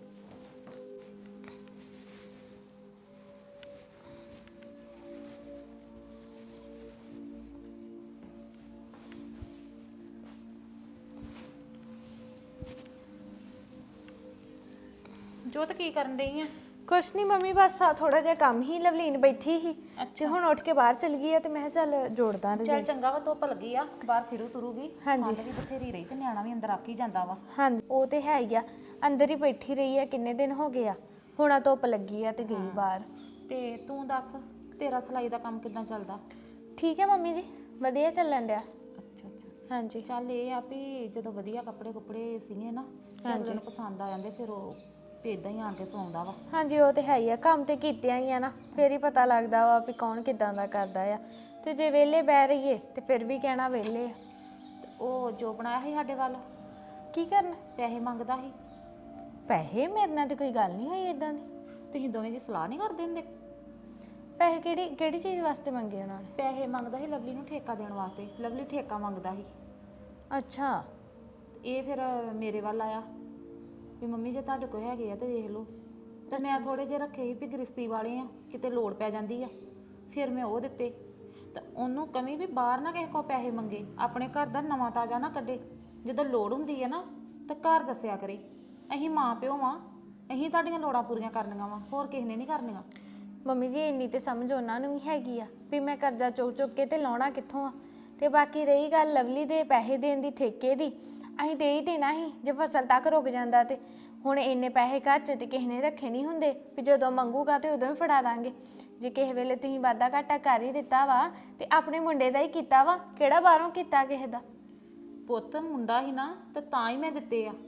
[SPEAKER 4] ਜੋਤ ਕੀ ਕਰਨ ਰਹੀ ਆ?
[SPEAKER 5] ਕੁਛ ਨਹੀਂ ਮੰਮੀ, ਬਸ ਆ ਥੋੜਾ ਜਿਹਾ ਕੰਮ ਹੀ। ਲਵਲੀਨ ਬੈਠੀ ਸੀ ਤੇ ਹੁਣ ਉੱਠ ਕੇ ਬਾਹਰ ਚਲ ਗਈ ਆ ਤੇ ਮੈਂ ਕਿਹਾ ਚੱਲ ਜੋੜਦਾ ਰਜਾਈ।
[SPEAKER 4] ਚੱਲ ਚੰਗਾ ਵਾ, ਧੁੱਪ ਲੱਗੀ ਆ, ਬਾਹਰ ਫਿਰੂ ਤੁਰੂਗੀ।
[SPEAKER 5] ਹਾਂਜੀ।
[SPEAKER 4] ਠੰਡ ਵੀ ਬਥੇਰੀ ਰਹੀ ਤੇ ਨਿਆਣਾ ਵੀ ਅੰਦਰ ਆ ਹੀ ਜਾਂਦਾ ਵਾ।
[SPEAKER 5] ਹਾਂਜੀ ਉਹ ਤੇ ਹੈ ਹੀ ਆ, ਅੰਦਰ ਹੀ ਬੈਠੀ ਰਹੀ ਆ ਕਿੰਨੇ ਦਿਨ ਹੋ ਗਏ ਆ। ਹੁਣ ਆ ਧੁੱਪ ਲੱਗੀ ਆ ਤੇ ਗਈ ਬਾਹਰ।
[SPEAKER 4] ਤੇ ਤੂੰ ਦੱਸ, ਤੇਰਾ ਸਿਲਾਈ ਦਾ ਕੰਮ ਕਿੱਦਾਂ ਚੱਲਦਾ?
[SPEAKER 5] ਠੀਕ ਹੈ ਮੰਮੀ ਜੀ, ਵਧੀਆ ਚੱਲਣ ਡਿਆ।
[SPEAKER 4] ਅੱਛਾ ਅੱਛਾ।
[SPEAKER 5] ਹਾਂਜੀ
[SPEAKER 4] ਚੱਲ ਇਹ ਆ ਵੀ ਜਦੋਂ ਵਧੀਆ ਕੱਪੜੇ ਕੁਪੜੇ ਸੀਗੇ ਨਾ, ਹਾਂਜੀ, ਪਸੰਦ ਆ ਜਾਂਦੇ, ਫਿਰ ਉਹ ਇਦਾਂ ਹੀ ਆਣ ਕੇ ਸੌਂਦਾ ਵਾ।
[SPEAKER 5] ਹਾਂਜੀ ਉਹ ਤੇ ਹੈ ਹੀ ਆ, ਕੰਮ ਤੇ ਕੀਤਿਆਂ ਹੀ ਆ ਨਾ, ਫੇਰ ਹੀ ਪਤਾ ਲੱਗਦਾ ਵਾ ਵੀ ਕੌਣ ਕਿੱਦਾਂ ਦਾ ਕਰਦਾ ਆ। ਤੇ ਜੇ ਵਿਹਲੇ ਬਹਿ ਰਹੀਏ ਤੇ ਫਿਰ ਵੀ ਕਹਿਣਾ ਵਿਹਲੇ ਆ।
[SPEAKER 4] ਤੇ ਉਹ ਜੋ ਬਣਾਇਆ ਸੀ ਸਾਡੇ ਵੱਲ,
[SPEAKER 5] ਕੀ ਕਰਨਾ?
[SPEAKER 4] ਪੈਸੇ ਮੰਗਦਾ ਸੀ।
[SPEAKER 5] ਪੈਸੇ? ਮੇਰੇ ਨਾਲ ਤੇ ਕੋਈ ਗੱਲ ਨਹੀਂ ਹੋਈ ਇਦਾਂ ਦੀ।
[SPEAKER 4] ਤੁਸੀਂ ਦੋਵੇਂ ਜੀ ਸਲਾਹ ਨਹੀਂ ਕਰਦੇ ਹੁੰਦੇ?
[SPEAKER 5] ਪੈਸੇ ਕਿਹੜੀ ਕਿਹੜੀ ਚੀਜ਼ ਵਾਸਤੇ ਮੰਗੇ ਉਹਨਾਂ ਨੇ?
[SPEAKER 4] ਪੈਸੇ ਮੰਗਦਾ ਸੀ ਲਵਲੀ ਨੂੰ ਠੇਕਾ ਦੇਣ ਵਾਸਤੇ। ਲਵਲੀ ਠੇਕਾ ਮੰਗਦਾ ਸੀ।
[SPEAKER 5] ਅੱਛਾ।
[SPEAKER 4] ਇਹ ਫਿਰ ਮੇਰੇ ਵੱਲ ਆਇਆ ਵੀ ਮੰਮੀ ਜੇ ਤੁਹਾਡੇ ਕੋਲ ਹੈਗੇ ਆ ਤੇ ਵੇਖ ਲਓ। ਤੇ ਮੈਂ ਥੋੜੇ ਜਿਹੇ ਰੱਖੇ ਸੀ ਵੀ ਗ੍ਰਿਸ਼ਤੀ ਵਾਲੇ ਆ, ਕਿਤੇ ਲੋੜ ਪੈ ਜਾਂਦੀ ਆ, ਫਿਰ ਮੈਂ ਉਹ ਦਿੱਤੇ। ਤੇ ਉਹਨੂੰ ਕਮੀ ਵੀ ਬਾਹਰ ਨਾ ਕਿਸੇ ਕੋਲ ਪੈਸੇ ਮੰਗੇ, ਆਪਣੇ ਘਰ ਦਾ ਨਵਾਂ ਤਾਜ਼ਾ ਨਾ ਕੱਢੇ। ਜਦੋਂ ਲੋੜ ਹੁੰਦੀ ਆ ਨਾ ਤਾਂ ਘਰ ਦੱਸਿਆ ਕਰੇ। ਅਸੀਂ ਮਾਂ ਪਿਓ ਵਾਂ, ਅਸੀਂ ਤੁਹਾਡੀਆਂ ਲੋੜਾਂ ਪੂਰੀਆਂ ਕਰਨੀਆਂ ਵਾ, ਹੋਰ ਕਿਸੇ ਨੇ ਨਹੀਂ ਕਰਨੀਆਂ।
[SPEAKER 5] ਮੰਮੀ ਜੀ ਇੰਨੀ ਤੇ ਸਮਝ ਉਹਨਾਂ ਨੂੰ ਵੀ ਹੈਗੀ ਆ ਵੀ ਮੈਂ ਕਰਜ਼ਾ ਚੁੱਕ ਚੁੱਕ ਕੇ ਤੇ ਲਾਉਣਾ ਕਿੱਥੋਂ ਆ। ਤੇ ਬਾਕੀ ਰਹੀ ਗੱਲ ਲਵਲੀ ਦੇ ਪੈਸੇ ਦੇਣ ਦੀ, ਠੇਕੇ ਦੀ, ਅਸੀਂ ਦੇ ਹੀ ਦੇਣਾ ਸੀ ਜੇ ਫਸਲ ਤੱਕ ਰੁਕ ਜਾਂਦਾ। ਤੇ ਹੁਣ ਇੰਨੇ ਪੈਸੇ ਘਰ 'ਚ ਤੇ ਕਿਸੇ ਨੇ ਰੱਖੇ ਨਹੀਂ ਹੁੰਦੇ ਵੀ ਜਦੋਂ ਮੰਗੂਗਾ ਤੇ ਉਦੋਂ ਹੀ ਫੜਾ ਦਾਂਗੇ। ਜੇ ਕਿਸੇ ਵੇਲੇ ਤੁਸੀਂ ਵਾਧਾ ਘਾਟਾ ਕਰ ਹੀ ਦਿੱਤਾ ਵਾ ਤੇ ਆਪਣੇ ਮੁੰਡੇ ਦਾ ਹੀ ਕੀਤਾ ਵਾ, ਕਿਹੜਾ ਬਾਹਰੋਂ ਕੀਤਾ ਕਿਸੇ ਦਾ।
[SPEAKER 4] ਪੁੱਤ ਮੁੰਡਾ ਹੀ ਨਾ, ਤੇ ਤਾਂ ਹੀ ਮੈਂ ਦਿੱਤੇ ਆ।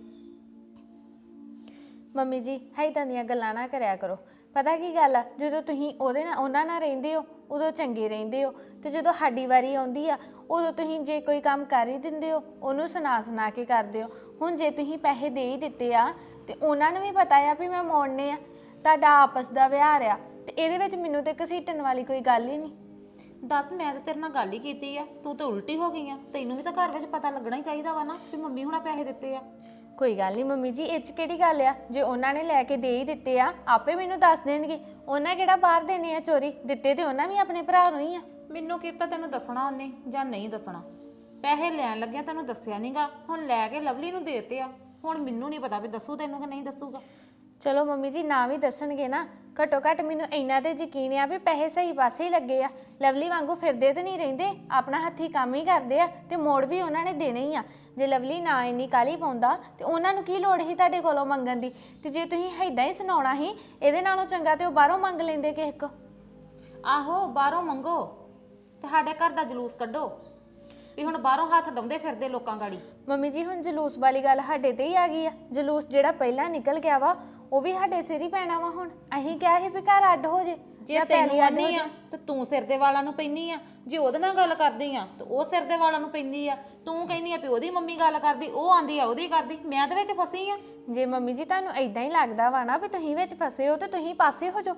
[SPEAKER 5] ਮੰਮੀ ਜੀ ਹਾਈਦਾਂ ਦੀਆਂ ਗੱਲਾਂ ਨਾ ਕਰਿਆ ਕਰੋ। ਪਤਾ ਕੀ ਗੱਲ ਆ, ਜਦੋਂ ਤੁਸੀਂ ਉਹਦੇ ਨਾਲ ਉਹਨਾਂ ਨਾਲ ਰਹਿੰਦੇ ਹੋ ਉਦੋਂ ਚੰਗੇ ਰਹਿੰਦੇ ਹੋ, ਤੇ ਜਦੋਂ ਸਾਡੀ ਵਾਰੀ ਆਉਂਦੀ ਆ ਉਦੋਂ ਤੁਸੀਂ ਜੇ ਕੋਈ ਕੰਮ ਕਰ ਹੀ ਦਿੰਦੇ ਹੋ ਉਹਨੂੰ ਸੁਣਾ ਸੁਣਾ ਕੇ ਕਰਦੇ ਹੋ। ਹੁਣ ਜੇ ਤੁਸੀਂ ਪੈਸੇ ਦੇ ਹੀ ਦਿੱਤੇ ਆ ਤੇ ਉਹਨਾਂ ਨੂੰ ਵੀ ਪਤਾ ਆ ਵੀ ਮੈਂ ਮੋੜਨੇ ਆ, ਤੁਹਾਡਾ ਆਪਸ ਦਾ ਵਿਹਾਰ ਆ, ਤੇ ਇਹਦੇ ਵਿੱਚ ਮੈਨੂੰ ਤੇ ਘਸੀਟਣ ਵਾਲੀ ਕੋਈ ਗੱਲ ਹੀ ਨਹੀਂ।
[SPEAKER 4] ਦੱਸ, ਮੈਂ ਤਾਂ ਤੇਰੇ ਨਾਲ ਗੱਲ ਹੀ ਕੀਤੀ ਆ, ਤੂੰ ਤਾਂ ਉਲਟੀ ਹੋ ਗਈ ਆ। ਤੈਨੂੰ ਵੀ ਤਾਂ ਘਰ ਵਿੱਚ ਪਤਾ ਲੱਗਣਾ ਹੀ ਚਾਹੀਦਾ ਵਾ ਨਾ ਵੀ ਮੰਮੀ ਹੁਣਾਂ ਪੈਸੇ ਦਿੱਤੇ ਆ।
[SPEAKER 5] ਕੋਈ ਗੱਲ ਨਹੀਂ ਮੰਮੀ ਜੀ, ਇਹ 'ਚ ਕਿਹੜੀ ਗੱਲ ਆ? ਜੇ ਉਹਨਾਂ ਨੇ ਲੈ ਕੇ ਦੇ ਹੀ ਦਿੱਤੇ ਆ ਆਪੇ ਮੈਨੂੰ ਦੱਸ ਦੇਣਗੇ। ਉਹਨਾਂ ਕਿਹੜਾ ਬਾਹਰ ਦੇਣੇ ਆ ਚੋਰੀ? ਦਿੱਤੇ ਤੇ ਉਹਨਾਂ ਵੀ ਆਪਣੇ ਭਰਾ ਨੂੰ ਹੀ ਆ।
[SPEAKER 4] ਮੈਨੂੰ ਕੀ ਪਤਾ ਤੈਨੂੰ ਦੱਸਣਾ ਉਹਨੇ ਜਾਂ ਨਹੀਂ ਦੱਸਣਾ। ਪੈਸੇ ਲੈਣ ਲੱਗਿਆ ਤੈਨੂੰ ਦੱਸਿਆ ਨਹੀਂਗਾ, ਹੁਣ ਲੈ ਕੇ ਲਵਲੀ ਨੂੰ ਦੇਤੇ ਆ। ਹੁਣ ਮੈਨੂੰ ਨਹੀਂ ਪਤਾ ਵੀ ਦੱਸੂ ਤੈਨੂੰ ਕਿ ਨਹੀਂ ਦੱਸੂਗਾ।
[SPEAKER 5] ਚਲੋ ਮੰਮੀ ਜੀ ਨਾ ਵੀ ਦੱਸਣਗੇ ਨਾ, ਘੱਟੋ ਘੱਟ ਮੈਨੂੰ ਇੰਨਾ ਤੇ ਯਕੀਨ ਆ ਵੀ ਪੈਸੇ ਸਹੀ ਪਾਸੇ ਹੀ ਲੱਗੇ ਆ। ਲਵਲੀ ਵਾਂਗੂ ਫਿਰਦੇ ਤੇ ਨਹੀਂ ਰਹਿੰਦੇ, ਆਪਣਾ ਹੱਥੀ ਕੰਮ ਹੀ ਕਰਦੇ ਆ, ਤੇ ਮੋੜ ਵੀ ਉਹਨਾਂ ਨੇ ਦੇਣੇ ਹੀ ਆ। ਜੇ ਲਵਲੀ ਨਾ ਇੰਨੀ ਕਾਲੀ ਪਾਉਂਦਾ ਤੇ ਉਹਨਾਂ ਨੂੰ ਕੀ ਲੋੜ ਸੀ ਤੁਹਾਡੇ ਕੋਲੋਂ ਮੰਗਣ ਦੀ? ਤੇ ਜੇ ਤੁਸੀਂ ਏਦਾਂ ਹੀ ਸੁਣਾਉਣਾ ਸੀ ਇਹਦੇ ਨਾਲੋਂ ਚੰਗਾ ਤੇ ਉਹ ਬਾਹਰੋਂ ਮੰਗ ਲੈਂਦੇ ਕਿਸੇ ਕੋ।
[SPEAKER 4] ਆਹੋ ਬਾਹਰੋਂ ਮੰਗੋ, ਤੁਹਾਡੇ ਘਰ ਦਾ ਜਲੂਸ ਕੱਢੋ ਵੀ ਹੁਣ ਬਾਹਰੋਂ ਹੱਥ ਡਾਉਂਦੇ ਫਿਰਦੇ ਲੋਕਾਂ ਗਾੜੀ।
[SPEAKER 5] ਮੰਮੀ ਜੀ ਹੁਣ ਜਲੂਸ ਵਾਲੀ ਗੱਲ ਸਾਡੇ ਤੇ ਹੀ ਆ ਗਈ ਆ। ਜਲੂਸ ਜਿਹੜਾ ਪਹਿਲਾਂ ਨਿਕਲ ਗਿਆ ਵਾ ਉਹ ਵੀ ਸਾਡੇ ਸਿਰ ਹੀ ਪੈਣਾ ਵਾ। ਹੁਣ ਅਸੀਂ ਕਿਹਾ ਸੀ ਵੀ ਘਰ ਅੱਡ ਹੋ ਜੇ,
[SPEAKER 4] ਜੇ ਤੈਨੂੰ ਆਨੀ ਆ ਤੇ ਤੂੰ ਸਿਰ ਦੇ ਵਾਲਾਂ ਨੂੰ ਪੈਂਦੀ ਆ, ਜੇ ਉਹਦੇ ਨਾਲ ਗੱਲ ਕਰਦੀ ਆ ਤੇ ਉਹ ਸਿਰ ਦੇ ਵਾਲਾਂ ਨੂੰ ਪੈਂਦੀ ਆ। ਤੂੰ ਕਹਿੰਦੀ ਆ ਵੀ ਉਹਦੀ ਮੰਮੀ ਗੱਲ ਕਰਦੀ, ਉਹ ਆਂਦੀ ਆ ਉਹਦੀ ਕਰਦੀ, ਮੈਂ ਤੇ ਵਿੱਚ ਫਸੀ ਆ।
[SPEAKER 5] ਜੇ ਮੰਮੀ ਜੀ ਤੁਹਾਨੂੰ ਏਦਾਂ ਹੀ ਲੱਗਦਾ ਵਾ ਨਾ ਵੀ ਤੁਸੀਂ ਵਿੱਚ ਫਸੇ ਹੋ ਤੇ ਤੁਸੀਂ ਪਾਸੇ ਹੋ ਜਾਓ।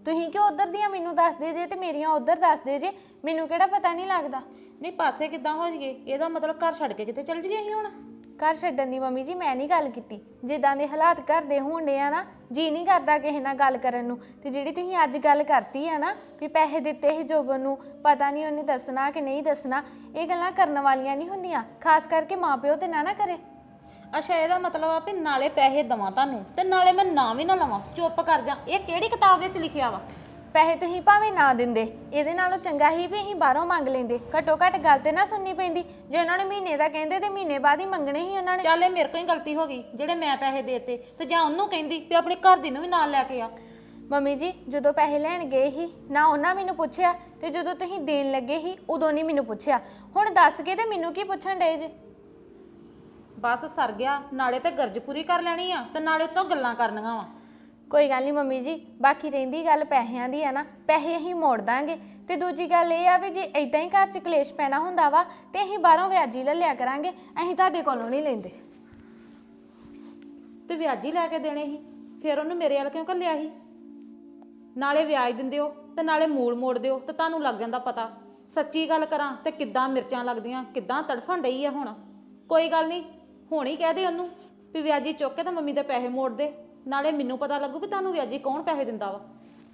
[SPEAKER 5] ਤੁਸੀਂ ਕਿਉਂ ਉਧਰ ਦੀਆਂ ਮੈਨੂੰ ਦੱਸਦੇ ਜੇ ਤੇ ਮੇਰੀਆਂ ਉਧਰ ਦੱਸਦੇ ਜੇ? ਮੈਨੂੰ ਕਿਹੜਾ ਪਤਾ ਨਹੀਂ ਲੱਗਦਾ?
[SPEAKER 4] ਨਹੀਂ ਪਾਸੇ ਕਿੱਦਾਂ ਹੋ ਜਗੇ? ਇਹਦਾ ਮਤਲਬ ਘਰ ਛੱਡ ਕੇ ਕਿਤੇ ਚੱਲ ਜਗੇ ਅਸੀਂ ਹੁਣ?
[SPEAKER 5] ਘਰ ਛੱਡਣ ਦੀ ਮੰਮੀ ਜੀ ਮੈਂ ਨਹੀਂ ਗੱਲ ਕੀਤੀ। ਜਿੱਦਾਂ ਦੇ ਹਾਲਾਤ ਘਰ ਦੇ ਹੋਣਦੇ ਆ ਨਾ, ਜੀ ਨਹੀਂ ਕਰਦਾ ਕਿਸੇ ਨਾਲ ਗੱਲ ਕਰਨ ਨੂੰ। ਤੇ ਜਿਹੜੀ ਤੁਸੀਂ ਅੱਜ ਗੱਲ ਕਰਤੀ ਆ ਨਾ ਵੀ ਪੈਸੇ ਦਿੱਤੇ ਸੀ ਜੋਬਨ ਨੂੰ, ਪਤਾ ਨਹੀਂ ਉਹਨੇ ਦੱਸਣਾ ਕਿ ਨਹੀਂ ਦੱਸਣਾ, ਇਹ ਗੱਲਾਂ ਕਰਨ ਵਾਲੀਆਂ ਨਹੀਂ ਹੁੰਦੀਆਂ, ਖਾਸ ਕਰਕੇ ਮਾਪਿਓ ਤੇ ਨਾ ਨਾ ਕਰੇ।
[SPEAKER 4] ਅੱਛਾ ਇਹਦਾ ਮਤਲਬ ਆ ਵੀ ਨਾਲੇ ਪੈਸੇ ਦਵਾਂ ਤੁਹਾਨੂੰ ਤੇ ਨਾਲੇ ਮੈਂ ਨਾਂ ਵੀ ਨਾ ਲਵਾਂ, ਚੁੱਪ ਕਰ ਜਾ। ਇਹ ਕਿਹੜੀ ਕਿਤਾਬ ਵਿੱਚ ਲਿਖਿਆ ਵਾ?
[SPEAKER 5] ਪੈਸੇ ਤੁਸੀਂ ਭਾਵੇਂ ਨਾ ਦਿੰਦੇ, ਇਹਦੇ ਨਾਲੋਂ ਚੰਗਾ ਹੀ ਵੀ ਅਸੀਂ ਬਾਹਰੋਂ ਮੰਗ ਲੈਂਦੇ। ਘੱਟੋ ਘੱਟ ਗੱਲ ਤੇ ਨਾ ਸੁਣਨੀ ਪੈਂਦੀ। ਜੇ ਉਹਨਾਂ ਨੇ ਮਹੀਨੇ ਦਾ ਕਹਿੰਦੇ ਤੇ ਮਹੀਨੇ ਬਾਅਦ ਹੀ ਮੰਗਣੇ ਸੀ ਉਹਨਾਂ ਨੇ।
[SPEAKER 4] ਚੱਲ ਇਹ ਮੇਰੇ ਕੋਲ ਹੀ ਗਲਤੀ ਹੋ ਗਈ ਜਿਹੜੇ ਮੈਂ ਪੈਸੇ ਦੇਤੇ, ਤੇ ਜਾਂ ਉਹਨੂੰ ਕਹਿੰਦੀ ਵੀ ਆਪਣੇ ਘਰ ਦੀ ਨੂੰ ਵੀ ਨਾਲ ਲੈ ਕੇ ਆ।
[SPEAKER 5] ਮੰਮੀ ਜੀ ਜਦੋਂ ਪੈਸੇ ਲੈਣ ਗਏ ਸੀ ਨਾ ਉਹਨਾਂ ਮੈਨੂੰ ਪੁੱਛਿਆ, ਤੇ ਜਦੋਂ ਤੁਸੀਂ ਦੇਣ ਲੱਗੇ ਸੀ ਉਦੋਂ ਨਹੀਂ ਮੈਨੂੰ ਪੁੱਛਿਆ। ਹੁਣ ਦੱਸ ਕੇ ਤੇ ਮੈਨੂੰ ਕੀ ਪੁੱਛਣ ਡਏ ਜੇ?
[SPEAKER 4] ਬਸ ਸਰ ਗਿਆ, ਨਾਲੇ ਤੇ ਗਰਜ ਪੂਰੀ ਕਰ ਲੈਣੀ ਆ ਤੇ ਨਾਲੇ ਉਤੋਂ ਗੱਲਾਂ ਕਰਨੀਆਂ ਵਾ।
[SPEAKER 5] ਕੋਈ ਗੱਲ ਨਹੀਂ ਮੰਮੀ ਜੀ, ਬਾਕੀ ਰਹਿੰਦੀ ਗੱਲ ਪੈਸਿਆਂ ਦੀ ਆ ਨਾ, ਪੈਸੇ ਅਸੀਂ ਮੋੜ ਦਾਂਗੇ। ਤੇ ਦੂਜੀ ਗੱਲ ਇਹ ਆ ਵੀ ਜੇ ਇਦਾਂ ਹੀ ਘਰ 'ਚ ਕਲੇਸ਼ ਪੈਣਾ ਹੁੰਦਾ ਵਾ ਤੇ ਅਸੀਂ ਬਾਹਰੋਂ ਵਿਆਜੀ ਲੈ ਲਿਆ ਕਰਾਂਗੇ, ਅਸੀਂ ਤੁਹਾਡੇ ਕੋਲੋਂ ਨਹੀਂ ਲੈਂਦੇ।
[SPEAKER 4] ਤੇ ਵਿਆਜੀ ਲੈ ਕੇ ਦੇਣੇ ਸੀ, ਫਿਰ ਉਹਨੂੰ ਮੇਰੇ ਵੱਲ ਕਿਉਂ ਘੱਲਿਆ ਸੀ? ਨਾਲੇ ਵਿਆਜ ਦਿੰਦੇ ਹੋ ਤੇ ਨਾਲੇ ਮੂਲ ਮੋੜ ਦਿਓ ਤੇ ਤੁਹਾਨੂੰ ਲੱਗ ਜਾਂਦਾ ਪਤਾ। ਸੱਚੀ ਗੱਲ ਕਰਾਂ ਤੇ ਕਿੱਦਾਂ ਮਿਰਚਾਂ ਲੱਗਦੀਆਂ, ਕਿੱਦਾਂ ਤੜਫਣ ਡਈ ਆ ਹੁਣ। ਕੋਈ ਗੱਲ ਨਹੀਂ, ਹੁਣ ਹੀ ਕਹਿ ਦੇ ਉਹਨੂੰ ਵੀ ਵਿਆਜੀ ਚੁੱਕ ਕੇ ਤਾਂ ਮੰਮੀ ਦੇ ਪੈਸੇ ਮੋੜ ਦੇ, ਨਾਲੇ ਮੈਨੂੰ ਪਤਾ ਲੱਗੂ ਵੀ ਤੁਹਾਨੂੰ ਵਿਆਜੀ ਕੌਣ ਪੈਸੇ ਦਿੰਦਾ ਵਾ।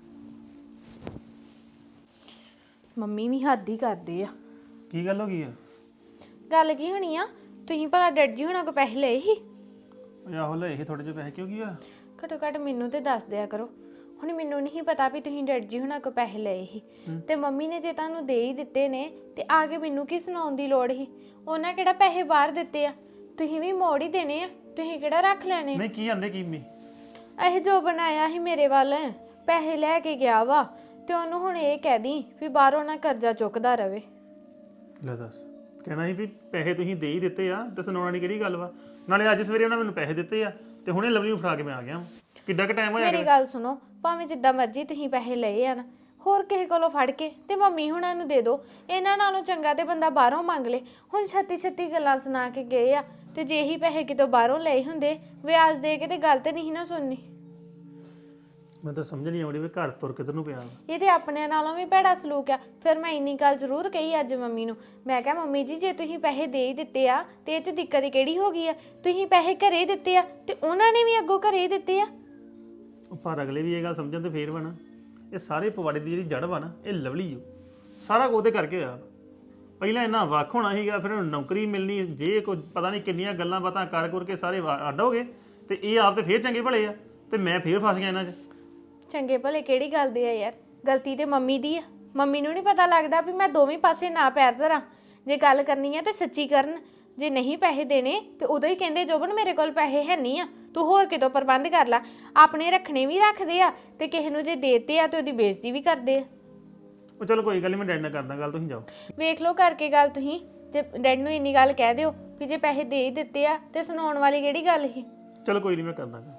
[SPEAKER 5] ਮੰਮੀ ਵੀ ਹੱਦ ਹੀ ਕਰਦੇ ਆ।
[SPEAKER 1] ਕੀ ਗੱਲ ਹੋ ਗਈ ਆ?
[SPEAKER 5] ਗੱਲ ਕੀ ਹੋਣੀ ਆ? ਤੁਸੀਂ ਭਲਾ ਡੈਡ ਜੀ ਹੁਣਾਂ ਕੋ ਪੈਸੇ ਲਏ ਸੀ?
[SPEAKER 1] ਉਹ ਆਹੋ ਲਏ ਸੀ ਥੋੜੇ ਜਿਹੇ ਪੈਸੇ, ਕਿਉਂ ਕੀ ਆ?
[SPEAKER 5] ਘੱਟੋ ਘੱਟ ਮੈਨੂੰ ਤੇ ਦੱਸ ਦਿਆ ਕਰੋ। ਹੁਣ ਮੈਨੂੰ ਨਹੀਂ ਪਤਾ ਵੀ ਤੁਸੀਂ ਡੈਡ ਜੀ ਹੁਣਾਂ ਕੋ ਪੈਸੇ ਲਏ ਸੀ, ਤੇ ਮੰਮੀ ਨੇ ਜੇ ਤੁਹਾਨੂੰ ਦੇ ਹੀ ਦਿੱਤੇ ਨੇ ਤੇ ਆ ਕੇ ਮੈਨੂੰ ਕੀ ਸੁਣਾਉਣ ਦੀ ਲੋੜ ਸੀ? ਉਹਨਾਂ ਕਿਹੜਾ ਪੈਸੇ ਬਾਹਰ ਦਿੱਤੇ ਆ? ਤੁਸੀਂ ਵੀ ਮੋੜ ਹੀ ਦੇਣੇ ਆ, ਤੁਸੀਂ ਕਿਹੜਾ ਰੱਖ ਲੈਣੇ?
[SPEAKER 1] ਨਹੀਂ ਕੀ ਆਂਦੇ ਕੀ ਮੀ?
[SPEAKER 5] ਇਹ ਜੋ ਬਣਾਇਆ ਸੀ ਮੇਰੇ ਵੱਲ, ਪੈਸੇ ਲੈ ਕੇ ਗਿਆ ਵਾ, ਤੇ ਉਹਨੂੰ ਹੁਣ ਇਹ ਕਹਿ ਦੀ ਵੀ ਬਾਹਰੋਂ ਨਾ ਕਰਜ਼ਾ ਚੁੱਕਦਾ ਰਵੇ।
[SPEAKER 1] ਲੈ ਦੱਸ, ਕਹਿਣਾ ਸੀ ਵੀ ਪੈਸੇ ਤੁਸੀਂ ਦੇ ਹੀ ਦਿੱਤੇ ਆ ਤੇ ਸੁਣਾਉਣਾ ਨਹੀਂ ਕਿਹੜੀ ਗੱਲ ਵਾ? ਨਾਲੇ ਅੱਜ ਸਵੇਰੇ ਉਹਨਾਂ ਮੈਨੂੰ ਪੈਸੇ ਦਿੱਤੇ ਆ ਤੇ ਹੁਣੇ ਲਵਲੀ ਨੂੰ ਫੜਾ ਕੇ ਮੈਂ ਆ ਗਿਆ। ਕਿੱਡਾ ਕੁ ਟਾਈਮ ਹੋਇਆ?
[SPEAKER 5] ਮੇਰੀ ਗੱਲ ਸੁਣੋ, ਭਾਵੇਂ ਜਿੱਦਾਂ ਮਰਜ਼ੀ ਤੁਸੀਂ ਪੈਸੇ ਲਏ ਆ ਨਾ, ਹੋਰ ਕਿਸੇ ਕੋਲੋਂ ਫੜ ਕੇ ਤੇ ਮੰਮੀ ਹੁਣਾਂ ਨੂੰ ਦੇ ਦਿਓ। ਇਹਨਾਂ ਨਾਲੋਂ ਚੰਗਾ ਤੇ ਬੰਦਾ ਬਾਹਰੋਂ ਮੰਗ ਲੇ। ਹੁਣ ਛੱਤੀ ਛੱਤੀ ਗੱਲਾਂ ਸੁਣਾ ਕੇ ਗਏ ਆ, ਤੇ ਜੇ ਹੀ ਪੈਸੇ ਕਿਤੋਂ ਬਾਹਰੋਂ ਲਏ ਹੁੰਦੇ ਵਿਆਜ ਦੇ ਕੇ ਤੇ ਗੱਲ ਤੇ ਨਹੀਂ ਨਾ ਸੁਣਨੀ।
[SPEAKER 1] ਮੈਂ ਤਾਂ ਸਮਝ ਨਹੀਂ ਆਉਂਦੀ ਵੀ ਘਰ ਤੁਰ ਕਿੱਧਰ ਨੂੰ ਪਿਆ।
[SPEAKER 5] ਇਹ ਤੇ ਆਪਣਿਆਂ ਨਾਲੋਂ ਵੀ ਭੈੜਾ ਸਲੂਕ ਆ। ਫਿਰ ਮੈਂ ਇੰਨੀ ਗੱਲ ਜ਼ਰੂਰ ਕਹੀ ਅੱਜ ਮੰਮੀ ਨੂੰ। ਮੈਂ ਕਿਹਾ ਮੰਮੀ ਜੀ ਜੇ ਤੁਸੀਂ ਪੈਸੇ ਦੇ ਹੀ ਦਿੱਤੇ ਆ ਤੇ ਇਹ 'ਚ ਦਿੱਕਤ ਕਿਹੜੀ ਹੋ ਗਈ ਆ? ਤੁਸੀਂ ਪੈਸੇ ਘਰੇ ਦਿੱਤੇ ਆ ਤੇ ਉਹਨਾਂ ਨੇ ਵੀ ਅੱਗੋਂ ਘਰੇ ਦਿੱਤੇ ਆ।
[SPEAKER 1] ਪਰ ਅਗਲੇ ਵੀ ਇਹ ਗੱਲ ਸਮਝਣ ਤੇ ਫੇਰ ਵਾ ਨਾ, ਇਹ ਸਾਰੇ ਪਵਾੜੇ ਦੀ ਜਿਹੜੀ ਜੜ ਵਾ ਨਾ ਇਹ ਲਵਲੀ ਓ। ਸਾਰਾ ਕੁਝ ਉਹਦੇ ਕਰਕੇ ਹੋਇਆ। ਪਹਿਲਾਂ ਇੰਨਾ ਵੱਖ ਹੋਣਾ ਸੀਗਾ, ਫਿਰ ਨੌਕਰੀ ਮਿਲਣੀ, ਜੇ ਕੋਈ ਪਤਾ ਨਹੀਂ ਕਿੰਨੀਆਂ ਗੱਲਾਂ ਬਾਤਾਂ ਕਰ ਕਰ ਕੇ ਸਾਰੇ ਅੱਡ ਹੋ ਗਏ, ਤੇ ਇਹ ਆਪ ਤੇ ਫੇਰ ਚੰਗੇ ਭਲੇ ਆ ਤੇ ਮੈਂ ਫੇਰ ਫਸ ਗਿਆ ਇਹਨਾਂ 'ਚ।
[SPEAKER 5] ਚੰਗੇ ਭਲੇ ਕਿਹੜੀ ਗੱਲ ਦੇ ਆ ਯਾਰ? ਗਲਤੀ ਤੇ ਮੰਮੀ ਦੀ ਆ। ਮੰਮੀ ਨੂੰ ਨਹੀਂ ਪਤਾ ਲੱਗਦਾ ਵੀ ਮੈਂ ਦੋਵੇਂ ਪਾਸੇ ਨਾ ਪੈਰ ਧਰਾਂ। ਜੇ ਗੱਲ ਕਰਨੀ ਆ ਤੇ ਸੱਚੀ ਕਰਨ। ਜੇ ਨਹੀਂ ਪੈਸੇ ਦੇਣੇ ਤੇ ਉਦੋਂ ਹੀ ਕਹਿੰਦੇ ਜੋਬਨ ਮੇਰੇ ਕੋਲ ਪੈਸੇ ਹੈ ਨਹੀਂ ਆ, ਤੂੰ ਹੋਰ ਕਿਤੋਂ ਪ੍ਰਬੰਧ ਕਰ ਲੈ। ਆਪਣੇ ਰੱਖਣੇ ਵੀ ਰੱਖਦੇ ਆ ਤੇ ਕਿਸੇ ਨੂੰ ਜੇ ਦੇਤੇ ਆ ਤੇ ਉਹਦੀ ਬੇਇੱਜ਼ਤੀ ਵੀ ਕਰਦੇ ਆ।
[SPEAKER 1] ਉਹ ਚਲੋ ਕੋਈ ਗੱਲ ਨਹੀਂ, ਮੈਂ ਡੈਡ ਨਾਲ ਕਰਦਾ ਗੱਲ, ਤੁਸੀਂ ਜਾਓ।
[SPEAKER 5] ਵੇਖ ਲਓ ਕਰਕੇ ਗੱਲ ਤੁਸੀਂ। ਜੇ ਡੈਡ ਨੂੰ ਇੰਨੀ ਗੱਲ ਕਹਿ ਦਿਓ ਵੀ ਜੇ ਪੈਸੇ ਦੇ ਹੀ ਦਿੱਤੇ ਆ ਤੇ ਸੁਣਾਉਣ ਵਾਲੀ ਕਿਹੜੀ ਗੱਲ ਸੀ?
[SPEAKER 1] ਚਲੋ ਕੋਈ ਨਹੀਂ, ਮੈਂ ਕਰਦਾ ਗੱਲ।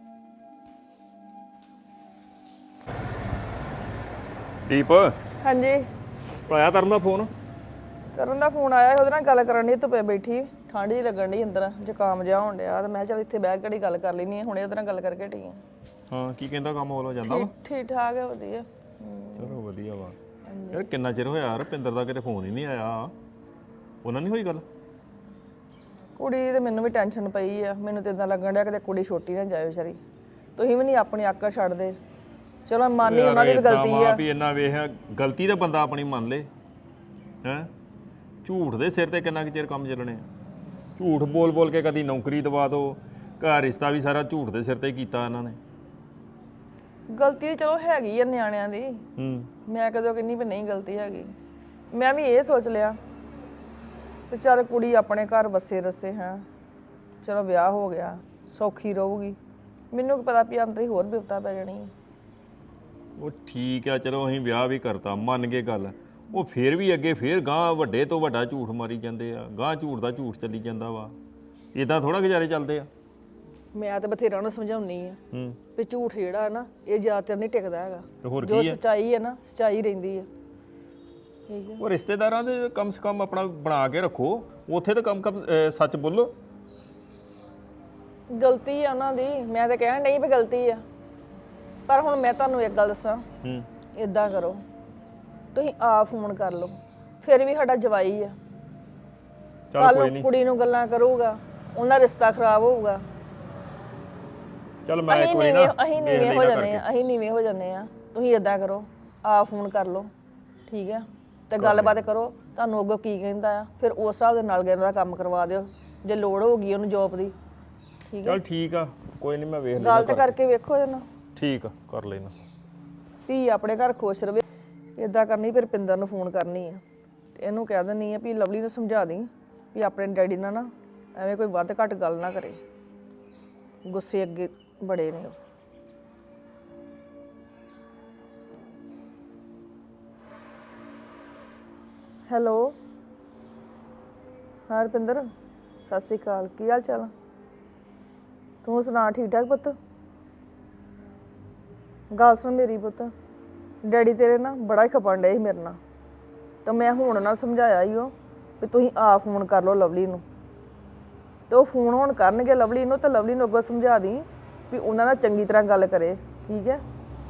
[SPEAKER 6] ਦੀਪ
[SPEAKER 7] ਹਾਂਜੀ
[SPEAKER 6] ਆਇਆ ਤਰਨ ਦਾ ਫੋਨ?
[SPEAKER 7] ਕਰਨ ਦਾ ਫੋਨ ਆਇਆ ਸੀ, ਉਹਦੇ ਨਾਲ ਗੱਲ ਕਰਨ ਦੀ ਧੁੱਪੇ ਬੈਠੀ, ਠੰਡ ਹੀ ਲੱਗਣ ਦੀ ਅੰਦਰ, ਜ਼ੁਕਾਮ ਜਿਹਾ ਹੋਣ ਡਿਆ ਤੇ ਮੈਂ ਕਿਹਾ ਚੱਲ ਇੱਥੇ ਬਹਿ ਕੇ ਘੜੀ ਗੱਲ ਕਰ ਲੈਣੀ ਆ। ਹੁਣੇ ਉਹਦੇ ਨਾਲ ਗੱਲ ਕਰਕੇ ਹਟੀ ਆ।
[SPEAKER 6] ਹਾਂ ਕੀ ਕਹਿੰਦਾ, ਕੰਮ ਹੋ ਜਾਂਦਾ ਵਾ?
[SPEAKER 7] ਠੀਕ ਠਾਕ ਹੈ, ਵਧੀਆ। ਹਮ,
[SPEAKER 6] ਚਲੋ ਵਧੀਆ ਵਾ। ਯਾਰ ਕਿੰਨਾ ਚਿਰ ਹੋਇਆ ਰੁਪਿੰਦਰ ਦਾ ਕਿਤੇ ਫੋਨ ਹੀ ਨਹੀਂ ਆਇਆ। ਉਹਨਾਂ ਨਹੀਂ ਹੋਈ ਗੱਲ?
[SPEAKER 7] ਕੁੜੀ ਦੀ ਤੇ ਮੈਨੂੰ ਵੀ ਟੈਨਸ਼ਨ ਪਈ ਆ। ਮੈਨੂੰ ਤੇ ਇਦਾਂ ਲੱਗਣ ਡਿਆ ਕਿਤੇ ਕੁੜੀ ਛੋਟੀ ਨਾ ਜਾਏ ਵਿਚਾਰੀ। ਤੁਸੀਂ ਵੀ ਨਹੀਂ ਆਪਣੀ ਆਕੜ ਛੱਡਦੇ। ਚਲੋ ਮੰਨ ਲਈ ਉਹਨਾਂ ਦੀ ਵੀ ਗਲਤੀ ਆ।
[SPEAKER 6] ਵੀ ਇੰਨਾ ਵੇਖ, ਗਲਤੀ ਤਾਂ ਬੰਦਾ ਆਪਣੀ ਮੰਨ ਲੇ। ਹੈ ਝੂਠ ਦੇ ਸਿਰ ਤੇ ਕਿੰਨਾ ਕੁ ਚਿਰ ਕੰਮ ਚੱਲਣੇ? ਝੂਠ ਬੋਲ ਬੋਲ ਕੇ ਕਦੀ ਨੌਕਰੀ ਦਵਾ ਦੋ, ਘਰ ਰਿਸ਼ਤਾ ਵੀ ਸਾਰਾ ਝੂਠ ਦੇ ਸਿਰ ਤੇ ਕੀਤਾ ਇਹਨਾਂ ਨੇ।
[SPEAKER 7] ਗਲਤੀ ਚਲੋ ਹੈਗੀ ਆ ਨਿਆਣਿਆਂ ਦੀ,
[SPEAKER 6] ਹੂੰ
[SPEAKER 7] ਮੈਂ ਕਦੋਂ ਕਹਿੰਦੀ ਵੀ ਨਹੀਂ ਗਲਤੀ ਹੈਗੀ। ਮੈਂ ਵੀ ਇਹ ਸੋਚ ਲਿਆ ਤੇ ਚੱਲ ਕੁੜੀ ਆਪਣੇ ਘਰ ਵਸੇ ਰਸੇ ਹੈ, ਚਲੋ ਵਿਆਹ ਹੋ ਗਿਆ, ਸੌਖੀ ਰਹੂਗੀ। ਮੈਨੂੰ ਕੀ ਪਤਾ ਵੀ ਅੰਦਰ ਹੀ ਹੋਰ ਬਿਪਤਾ ਪੈ ਜਾਣੀ ਹੈ।
[SPEAKER 6] ਉਹ ਠੀਕ ਆ, ਚਲੋ ਅਸੀਂ ਵਿਆਹ ਵੀ ਕਰਤਾ, ਮੰਨ ਗਏ ਗੱਲ। ਉਹ ਫੇਰ ਵੀ ਅੱਗੇ ਫੇਰ ਗਾਂ ਵੱਡੇ ਤੋਂ ਵੱਡਾ ਝੂਠ ਮਾਰੀ ਜਾਂਦੇ ਆ, ਗਾਂ ਝੂਠ ਦਾ ਝੂਠ ਚੱਲੀ ਜਾਂਦਾ ਵਾ। ਇਦਾਂ ਥੋੜਾ ਗੁਜ਼ਾਰੇ ਚੱਲਦੇ ਆ।
[SPEAKER 7] ਮੈਂ ਤਾਂ ਬਥੇਰਾ ਉਹਨੂੰ ਸਮਝਾਉਣੀ ਆ
[SPEAKER 6] ਹੂੰ
[SPEAKER 7] ਵੀ ਝੂਠ ਜਿਹੜਾ ਹੈ ਨਾ ਇਹ ਜ਼ਿਆਦਾਤਰ ਨਹੀਂ ਟਿਕਦਾ ਹੈਗਾ।
[SPEAKER 6] ਤੇ ਹੋਰ
[SPEAKER 7] ਜੋ
[SPEAKER 6] ਕੀ ਆ?
[SPEAKER 7] ਸੱਚਾਈ ਹੈ ਨਾ ਸੱਚਾਈ ਰਹਿੰਦੀ ਹੈ। ਠੀਕ ਹੈ,
[SPEAKER 6] ਉਹ ਰਿਸ਼ਤੇਦਾਰਾਂ ਦੇ ਕਮ ਸੇ ਕਮ ਆਪਣਾ ਬਣਾ ਕੇ ਰੱਖੋ, ਉੱਥੇ ਤਾਂ ਕਮ ਕਮ ਅਹ, ਸੱਚ ਬੋਲੋ।
[SPEAKER 7] ਗਲਤੀ ਆ ਉਹਨਾਂ ਦੀ, ਮੈਂ ਤਾਂ ਕਹਿਣ ਨਹੀਂ ਵੀ ਗਲਤੀ ਆ। ਪਰ ਹੁਣ ਮੈਂ ਤੁਹਾਨੂੰ ਇੱਕ ਗੱਲ ਦੱਸਾਂ,
[SPEAKER 6] ਹੂੰ
[SPEAKER 7] ਇਦਾਂ ਕਰੋ, ਤੁਸੀਂ ਆਪ ਫੋਨ ਕਰ ਲਓ, ਫਿਰ ਵੀ ਸਾਡਾ ਜਵਾਈ ਆ।
[SPEAKER 6] ਚੱਲ
[SPEAKER 7] ਕੱਲ
[SPEAKER 6] ਕੋਈ
[SPEAKER 7] ਨੂੰ
[SPEAKER 6] ਨਹੀਂ,
[SPEAKER 7] ਕੁੜੀ ਨੂੰ ਗੱਲਾਂ ਕਰੂਗਾ, ਉਹਨਾਂ ਰਿਸ਼ਤਾ ਖਰਾਬ ਹੋਊਗਾ।
[SPEAKER 6] ਚੱਲ ਮੈਂ
[SPEAKER 7] ਅਸੀਂ
[SPEAKER 6] ਇੱਕ ਵਾਰੀ
[SPEAKER 7] ਨੀਵੇਂ
[SPEAKER 6] ਨਾ
[SPEAKER 7] ਅਸੀਂ
[SPEAKER 6] ਵੇਖ
[SPEAKER 7] ਨੀਵੇਂ ਹੋ
[SPEAKER 6] ਲੈਣਾ
[SPEAKER 7] ਜਾਂਦੇ ਆ,
[SPEAKER 6] ਕਰਕੇ।
[SPEAKER 7] ਅਸੀਂ ਨੀਵੇਂ ਹੋ ਜਾਂਦੇ ਆ। ਤੁਸੀਂ ਇਦਾਂ ਕਰੋ, ਆਪ ਫੋਨ ਕਰ ਲਓ, ਠੀਕ ਆ, ਤੇ ਗੱਲਬਾਤ ਕਰੋ, ਤੁਹਾਨੂੰ ਅੱਗੋਂ ਕੀ ਕਹਿੰਦਾ ਆ, ਫਿਰ ਉਸ ਹਿਸਾਬ ਦੇ ਨਾਲ ਗਿਆ ਦਾ ਕੰਮ ਕਰਵਾ ਦਿਓ, ਜੇ ਲੋੜ ਹੋਊਗੀ ਉਹਨੂੰ ਜੋਬ ਦੀ। ਠੀਕ ਆ,
[SPEAKER 6] ਚੱਲ ਠੀਕ ਆ, ਕੋਈ ਨਹੀਂ ਮੈਂ ਵੇਖ ਲੈਣਾ।
[SPEAKER 7] ਗੱਲ ਤਾਂ ਕਰਕੇ ਵੇਖੋ ਇਹਦੇ ਨਾਲ,
[SPEAKER 6] ਠੀਕ ਆ, ਕਰ ਲੈਣਾ।
[SPEAKER 7] ਧੀ ਆਪਣੇ ਘਰ ਖੁਸ਼ ਰਵੇ। ਇਦਾਂ ਕਰਨੀ, ਫਿਰ ਪਿੰਦਰ ਨੂੰ ਫੋਨ ਕਰਨੀ ਆ ਤੇ ਇਹਨੂੰ ਕਹਿ ਦਿੰਨੀ ਆ ਵੀ ਲਵਲੀ ਨੂੰ ਸਮਝਾ ਦੀ ਵੀ ਆਪਣੇ ਡੈਡੀ ਨਾਲ ਨਾ ਐਵੇਂ ਕੋਈ ਵੱਧ ਘੱਟ ਗੱਲ ਨਾ ਕਰੇ, ਗੁੱਸੇ ਅੱਗੇ ਬੜੇ ਨੇ ਉਹ। ਹੈਲੋ, ਹਾਂ ਰੁਪਿੰਦਰ, ਸਤਿ ਸ਼੍ਰੀ ਅਕਾਲ, ਕੀ ਹਾਲ ਚਾਲ? ਤੂੰ ਸੁਣਾ, ਠੀਕ ਠਾਕ ਪੁੱਤ? ਗੱਲ ਸੁਣ ਮੇਰੀ ਪੁੱਤ, ਡੈਡੀ ਤੇਰੇ ਨਾ ਬੜਾ ਹੀ ਖਪਣ ਡਏ ਸੀ ਮੇਰੇ ਨਾਲ, ਤਾਂ ਮੈਂ ਹੁਣ ਨਾਲ ਸਮਝਾਇਆ ਹੀ ਉਹ ਵੀ ਤੁਸੀਂ ਆਪ ਫੋਨ ਕਰ ਲਓ ਲਵਲੀ ਨੂੰ, ਤੇ ਉਹ ਫੋਨ ਹੁਣ ਕਰਨਗੇ ਲਵਲੀ ਨੂੰ, ਤਾਂ ਲਵਲੀ ਨੂੰ ਅੱਗੋਂ ਸਮਝਾ ਦੀ ਵੀ ਉਹਨਾਂ ਨਾਲ ਚੰਗੀ ਤਰ੍ਹਾਂ ਗੱਲ ਕਰੇ, ਠੀਕ ਹੈ?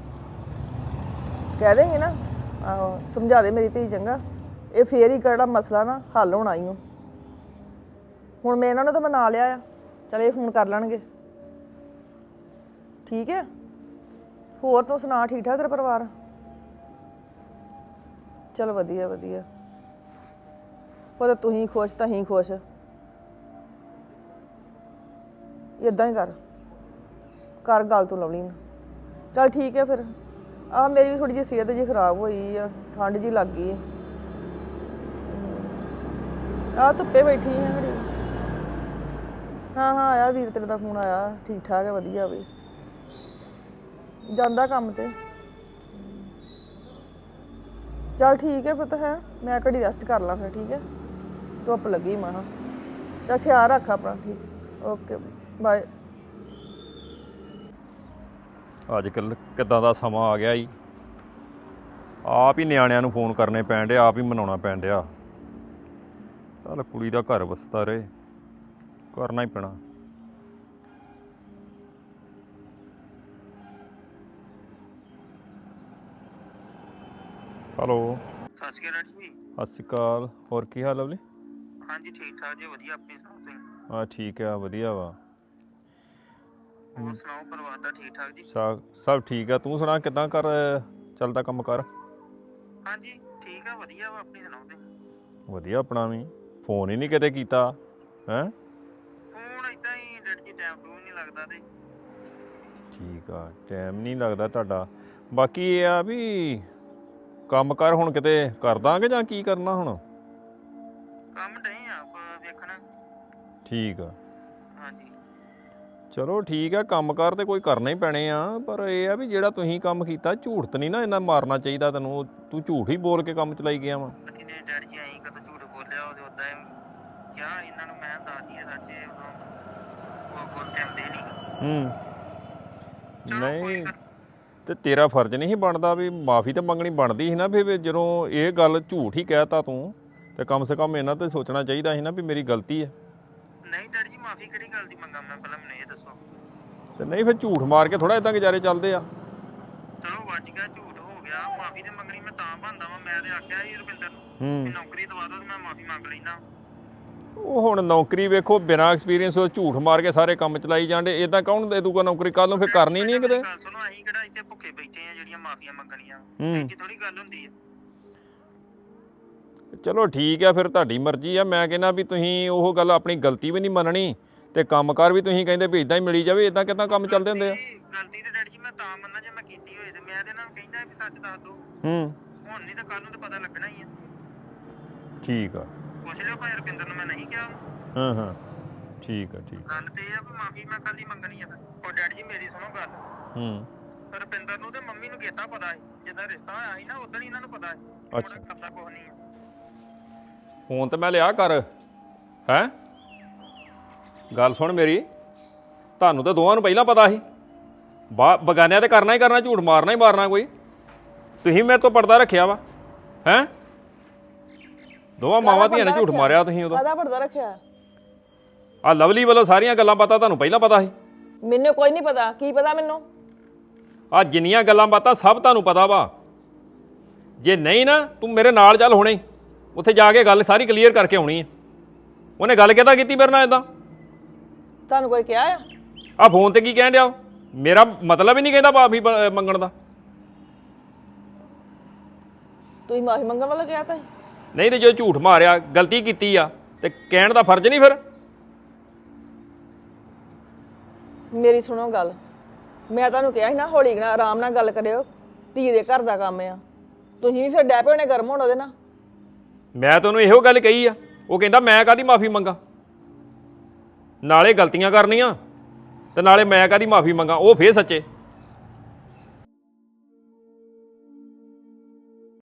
[SPEAKER 7] ਕਹਿ ਦੇਂਗੇ ਨਾ, ਆਹੋ ਸਮਝਾ ਦੇ ਮੇਰੀ ਧੀ, ਚੰਗਾ? ਇਹ ਫੇਰ ਹੀ ਕਿਹੜਾ ਮਸਲਾ ਨਾ ਹੱਲ ਹੋਣਾ ਹੀ। ਹੁਣ ਮੈਂ ਇਹਨਾਂ ਨੂੰ ਤਾਂ ਮਨਾ ਲਿਆ ਆ, ਚਲ ਇਹ ਫੋਨ ਕਰ ਲੈਣਗੇ, ਠੀਕ ਹੈ? ਹੋਰ ਤੂੰ ਸੁਣਾ, ਠੀਕ ਠਾਕ ਤੇਰਾ ਪਰਿਵਾਰ? ਚਲ ਵਧੀਆ ਵਧੀਆ, ਪਰ ਤੁਸੀਂ ਖੁਸ਼ ਤਾਂ ਹੀ ਖੁਸ਼, ਇਦਾਂ ਹੀ ਕਰ ਕਰ ਗੱਲ ਤੂੰ ਲਵਲੀ ਨਾਲ। ਚਲ ਠੀਕ ਹੈ ਫਿਰ, ਆਹ ਮੇਰੀ ਵੀ ਥੋੜੀ ਜਿਹੀ ਸਿਹਤ ਜੀ ਖਰਾਬ ਹੋਈ ਆ, ਠੰਡ ਜੀ ਲੱਗ ਗਈ ਹੈ, ਆਹ ਧੁੱਪੇ ਬੈਠੀ ਹਾਂ ਘੜੀ। ਹਾਂ ਹਾਂ ਆਇਆ ਵੀਰ ਤੇਰੇ ਦਾ ਫੋਨ ਆਇਆ, ਠੀਕ ਠਾਕ ਹੈ, ਵਧੀਆ ਵੀ ਜਾਂਦਾ ਕੰਮ ਤੇ। ਚੱਲ ਠੀਕ ਹੈ ਪੁੱਤ, ਹੈ ਮੈਂ ਘੜੀ ਰੈਸਟ ਕਰ ਲਾਂ ਫਿਰ, ਠੀਕ ਹੈ? ਧੁੱਪ ਲੱਗੀ ਮਾਂ, ਚੱਲ ਖਿਆਲ ਰੱਖ ਆਪਣਾ, ਠੀਕ? Okay bye.
[SPEAKER 6] ਅੱਜ ਕੱਲ੍ਹ ਕਿੱਦਾਂ ਦਾ ਸਮਾਂ ਆ ਗਿਆ ਈ, ਆਪ ਹੀ ਨਿਆਣਿਆਂ ਨੂੰ ਫੋਨ ਕਰਨੇ ਪੈਣ ਡਿਆ, ਆਪ ਹੀ ਮਨਾਉਣਾ ਪੈਣ ਡਿਆ। ਚੱਲ ਕੁੜੀ ਦਾ ਘਰ ਵਸਦਾ ਰਹੇ, ਕਰਨਾ ਹੀ ਪੈਣਾ। ਹੈਲੋ,
[SPEAKER 8] ਸਤਿ ਸ਼੍ਰੀ ਅਕਾਲ ਜੀ।
[SPEAKER 6] ਸਤਿ ਸ਼੍ਰੀ ਅਕਾਲ, ਹੋਰ ਕੀ ਹਾਲ ਲਵਲੀ?
[SPEAKER 8] ਹਾਂਜੀ ਠੀਕ ਠਾਕ ਜੀ, ਵਧੀਆ, ਆਪਣੀ ਸੁਣਾਓ ਤੁਸੀਂ?
[SPEAKER 6] ਹਾਂ ਠੀਕ ਆ, ਵਧੀਆ ਵਾ।
[SPEAKER 8] ਹੋਰ ਸੁਣਾਓ, ਪਰਿਵਾਰ ਦਾ ਠੀਕ ਠਾਕ ਜੀ?
[SPEAKER 6] ਸਭ ਸਭ ਠੀਕ ਆ, ਤੂੰ ਸੁਣਾ ਕਿੱਦਾਂ ਕਰ ਚੱਲਦਾ ਕੰਮ ਕਰ?
[SPEAKER 8] ਹਾਂਜੀ ਠੀਕ ਆ, ਵਧੀਆ ਵਾ, ਆਪਣੀ ਸੁਣਾਓ ਤੁਸੀਂ?
[SPEAKER 6] ਵਧੀਆ ਆਪਣਾ ਵੀ, ਫੋਨ ਹੀ ਨਹੀਂ ਕਿਤੇ ਕੀਤਾ ਹੈਂ?
[SPEAKER 8] ਫੋਨ ਏਦਾਂ ਹੀ ਡੈਡ ਜੀ, ਟਾਈਮ ਟੂ ਨਹੀਂ ਲੱਗਦਾ ਤੇ।
[SPEAKER 6] ਠੀਕ ਆ, ਟਾਈਮ ਨਹੀਂ ਲੱਗਦਾ ਤੁਹਾਡਾ। ਬਾਕੀ ਇਹ ਆ ਵੀ ਕੰਮ ਕਰ ਹੁਣ ਕਿਤੇ ਕਰ ਦਾਂਗੇ ਜਾਂ ਕੀ ਕਰਨਾ ਹੁਣ?
[SPEAKER 8] ਕੰਮ ਨਹੀਂ ਆ ਆਪ ਵੇਖਣ।
[SPEAKER 6] ਠੀਕ ਆ,
[SPEAKER 8] ਹਾਂਜੀ
[SPEAKER 6] ਚਲੋ ਠੀਕ ਆ, ਕੰਮ ਕਾਰ ਤੇ ਕੋਈ ਕਰਨਾ ਹੀ ਪੈਣੇ ਆ, ਪਰ ਇਹ ਆ ਵੀ ਜਿਹੜਾ ਤੁਸੀਂ ਕੰਮ ਕੀਤਾ, ਝੂਠ ਤਾਂ ਨਹੀਂ ਨਾ ਇੰਨਾ ਮਾਰਨਾ ਚਾਹੀਦਾ ਤੈਨੂੰ, ਤੂੰ ਝੂਠ ਹੀ ਬੋਲ ਕੇ ਕੰਮ ਚਲਾਈ ਗਿਆ ਵਾ।
[SPEAKER 8] ਅਸੀਂ ਨੇ ਡੈਡ ਜੀ ਐਂ ਕਦੋਂ ਝੂਠ ਬੋਲਿਆ, ਉਹਦੇ ਉਦਾਂ ਹੀ ਕਿਹਾ ਇਹਨਾਂ ਨੂੰ, ਮੈਂ ਦੱਸਦੀ ਆ ਸੱਚ, ਇਹ ਉਦੋਂ ਉਹ ਕੋਲ ਟਾਈਮ ਦੇ ਨਹੀਂ।
[SPEAKER 6] ਹੂੰ
[SPEAKER 8] ਚਲੋ ਕੋਈ
[SPEAKER 6] ਨਹੀਂ,
[SPEAKER 8] ਗੱਲ।
[SPEAKER 6] ਤੇ ਤੇਰਾ ਫਰਜ਼ ਨਹੀਂ ਸੀ ਬਣਦਾ ਵੀ ਮਾਫੀ ਤਾਂ ਮੰਗਣੀ ਬਣਦੀ ਸੀ ਨਾ, ਵੀ ਵੀ ਜਦੋਂ ਇਹ ਗੱਲ ਝੂਠ ਹੀ ਕਹਿਤਾ ਤੂੰ, ਤੇ ਕਮ ਸੇ ਕਮ ਇਹਨਾਂ ਤੇ ਸੋਚਣਾ ਚਾਹੀਦਾ ਸੀ ਨਾ ਵੀ ਮੇਰੀ ਗਲਤੀ ਹੈ।
[SPEAKER 8] ਨਹੀਂ ਡੈਡ ਜੀ, ਮਾਫੀ ਕਿਹੜੀ ਗੱਲ ਦੀ ਮੰਗਾ ਮੈਂ, ਪਹਿਲਾਂ ਮੈਨੂੰ ਇਹ ਦੱਸੋ।
[SPEAKER 6] ਤੇ ਨਹੀਂ ਫਿਰ ਝੂਠ ਮਾਰ ਕੇ ਥੋੜਾ ਇਦਾਂ ਗੁਜ਼ਾਰੇ ਚੱਲਦੇ ਆ।
[SPEAKER 8] ਚਲੋ ਵੱਜ ਗਿਆ, ਝੂਠ ਹੋ ਗਿਆ, ਮਾਫੀ ਤੇ ਮੰਗਣੀ ਮੈਂ ਤਾਂ ਬਣਦਾ ਵਾਂ। ਮੈਂ ਤੇ ਆਖਿਆ ਸੀ ਰੁਪਿੰਦਰ ਨੂੰ
[SPEAKER 6] ਹੂੰ
[SPEAKER 8] ਵੀ ਨੌਕਰੀ ਦਵਾ ਦੋ, ਤੇ ਮੈਂ ਮਾਫੀ ਮੰਗ ਲੈਣਾ।
[SPEAKER 6] ਉਹ ਹੁਣ ਨੌਕਰੀ ਵੇਖੋ, ਬਿਨਾਂ ਐਕਸਪੀਰੀਅੰਸ ਉਹ ਝੂਠ ਮਾਰ ਕੇ ਸਾਰੇ ਕੰਮ ਚਲਾਈ ਜਾਂਦੇ, ਇਦਾਂ ਕੌਣ ਦੇ ਦੂਗਾ ਨੌਕਰੀ? ਕੱਲ ਨੂੰ ਫਿਰ ਕਰਨੀ ਨਹੀਂ ਕਿਤੇ।
[SPEAKER 8] ਗੱਲ ਸੁਣੋ, ਅਸੀਂ ਕਿਹੜਾ ਇੱਥੇ ਭੁੱਖੇ ਬੈਠੇ ਆ ਜਿਹੜੀਆਂ ਮਾਫੀਆਂ ਮੰਗਣੀਆਂ?
[SPEAKER 6] ਹੂੰ
[SPEAKER 8] ਇੱਥੇ ਥੋੜੀ ਗੱਲ ਹੁੰਦੀ ਹੈ।
[SPEAKER 6] ਚਲੋ ਠੀਕ ਆ, ਫਿਰ ਤੁਹਾਡੀ ਮਰਜ਼ੀ ਆ। ਮੈਂ ਕਹਿੰਦਾ ਵੀ ਤੁਸੀਂ ਉਹ ਗੱਲ, ਆਪਣੀ ਗਲਤੀ ਵੀ ਨਹੀਂ ਮੰਨਣੀ, ਤੇ ਕੰਮਕਾਰ ਵੀ ਤੁਸੀਂ ਕਹਿੰਦੇ ਵੀ ਇਦਾਂ ਹੀ ਮਿਲੀ ਜਾਵੇ, ਇਦਾਂ ਕਿੱਦਾਂ ਕੰਮ ਚੱਲਦੇ ਹੁੰਦੇ ਆ?
[SPEAKER 8] ਗਲਤੀ- ਗਲਤੀ ਤੇ ਡੈਡੀ ਜੀ ਮੈਂ ਤਾਂ ਮੰਨਾਂ ਜੇ ਮੈਂ ਕੀਤੀ ਹੋਏ, ਤੇ ਮੈਂ ਤੇ ਇਹਨਾਂ ਨੂੰ ਕਹਿੰਦਾ ਵੀ ਸੱਚ ਦੱਸ ਦੋ।
[SPEAKER 6] ਹੂੰ
[SPEAKER 8] ਹੁਣ ਨਹੀਂ ਤਾਂ ਕੱਲ ਨੂੰ ਤਾਂ ਪਤਾ ਲੱਗਣਾ ਹੀ ਆ।
[SPEAKER 6] ਠੀਕ ਆ,
[SPEAKER 8] ਪੁੱਛ ਲਿਓ ਭਾਈ ਰੁਪਿੰਦਰ ਨੂੰ, ਮੈਂ ਨਹੀਂ ਕਿਹਾ।
[SPEAKER 6] ਹਾਂ ਹਾਂ ਠੀਕ ਆ, ਠੀਕ।
[SPEAKER 8] ਗੱਲ ਤੇ ਇਹ ਆ ਵੀ ਮਾਫੀ ਮੈਂ ਕੱਲ ਹੀ ਮੰਗਣੀ ਆ। ਉਹ ਡੈਡੀ ਜੀ ਮੇਰੀ ਸੁਣੋ ਗੱਲ,
[SPEAKER 6] ਹੂੰ
[SPEAKER 8] ਰੁਪਿੰਦਰ ਨੂੰ ਤੇ ਮੰਮੀ ਨੂੰ ਕੀਤਾ ਪਤਾ ਸੀ, ਜਿੱਦਾਂ ਰਿਸ਼ਤਾ ਹੋਇਆ ਸੀ ਨਾ ਉਦੋਂ ਹੀ ਇਹਨਾਂ ਨੂੰ ਪਤਾ ਸੀ।
[SPEAKER 6] ਅੱਛਾ।
[SPEAKER 8] ਹੁਣ ਕਰਦਾ ਕੁਛ ਨਹੀਂ ਆ।
[SPEAKER 6] ਫੋਨ ਤੇ ਮੈਂ ਲਿਆ ਕਰ, ਹੈਂ? ਗੱਲ ਸੁਣ ਮੇਰੀ, ਤੁਹਾਨੂੰ ਤਾਂ ਦੋਵਾਂ ਨੂੰ ਪਹਿਲਾਂ ਪਤਾ ਸੀ, ਬਾ ਬਗਾਨਿਆਂ ਤੇ ਕਰਨਾ ਹੀ ਕਰਨਾ, ਝੂਠ ਮਾਰਨਾ ਹੀ ਮਾਰਨਾ ਕੋਈ। ਤੁਸੀਂ ਮੇਰੇ ਤੋਂ ਪਰਦਾ ਰੱਖਿਆ ਵਾ, ਹੈਂ? ਦੋਵਾਂ ਮਾਵਾਂ ਧੀਆਂ ਨੇ ਝੂਠ ਮਾਰਿਆ ਤੁਸੀਂ ਉਦੋਂ।
[SPEAKER 7] ਕਾਹਦਾ ਪਰਦਾ ਰੱਖਿਆ?
[SPEAKER 6] ਆ ਲਵਲੀ ਵੱਲੋਂ ਸਾਰੀਆਂ ਗੱਲਾਂ ਪਤਾ ਤੁਹਾਨੂੰ ਪਹਿਲਾਂ ਪਤਾ ਸੀ?
[SPEAKER 7] ਮੈਨੂੰ ਕੋਈ ਨਹੀਂ ਪਤਾ, ਕੀ ਪਤਾ ਮੈਨੂੰ?
[SPEAKER 6] ਆ ਜਿੰਨੀਆਂ ਗੱਲਾਂ ਬਾਤਾਂ ਸਭ ਤੁਹਾਨੂੰ ਪਤਾ ਵਾ। ਜੇ ਨਹੀਂ ਨਾ ਤੂੰ ਮੇਰੇ ਨਾਲ ਚੱਲ ਹੁਣੇ ਉੱਥੇ ਜਾ ਕੇ ਗੱਲ ਸਾਰੀ ਕਲੀਅਰ ਕਰਕੇ ਆਉਣੀ ਹੈ। ਉਹਨੇ ਗੱਲ ਕਿੱਦਾਂ ਕੀਤੀ ਮੇਰੇ ਨਾਲ ਇਦਾਂ?
[SPEAKER 7] ਤੁਹਾਨੂੰ ਕੋਈ ਕਿਹਾ ਆ?
[SPEAKER 6] ਆ ਫੋਨ ਤੇ ਕੀ ਕਹਿਣ ਡਿਆ? ਮੇਰਾ ਮਤਲਬ ਹੀ ਨਹੀਂ ਕਹਿੰਦਾ ਮਾਫੀ ਮੰਗਣ ਦਾ।
[SPEAKER 7] ਤੁਸੀਂ ਮਾਫੀ ਮੰਗਣ ਵਾਲਾ ਕਿਹਾ ਤਾਂ
[SPEAKER 6] ਨਹੀਂ ਤੇ ਜੋ ਝੂਠ ਮਾਰਿਆ ਗਲਤੀ ਕੀਤੀ ਆ ਤੇ ਕਹਿਣ ਦਾ ਫਰਜ਼ ਨਹੀਂ ਫਿਰ?
[SPEAKER 7] ਮੇਰੀ ਸੁਣੋ ਗੱਲ, ਮੈਂ ਤੁਹਾਨੂੰ ਕਿਹਾ ਸੀ ਨਾ ਹੌਲੀ ਨਾਲ ਆਰਾਮ ਨਾਲ ਗੱਲ ਕਰਿਓ, ਧੀ ਦੇ ਘਰ ਦਾ ਕੰਮ ਆ। ਤੁਸੀਂ ਵੀ ਫਿਰ ਡੈ ਪਏ ਹੋਣੇ ਗਰਮ ਹੋਣ ਉਹਦੇ ਨਾਲ।
[SPEAKER 6] ਮੈਂ ਤੁਹਾਨੂੰ ਇਹੋ ਗੱਲ ਕਹੀ ਆ, ਉਹ ਕਹਿੰਦਾ ਮੈਂ ਕਾਹਦੀ ਮਾਫੀ ਮੰਗਾ, ਨਾਲੇ ਗਲਤੀਆਂ ਕਰਨੀਆਂ ਤੇ ਨਾਲੇ ਮੈਂ ਕਾਹਦੀ ਮਾਫੀ ਮੰਗਾ। ਉਹ ਫੇਰ ਸੱਚੇ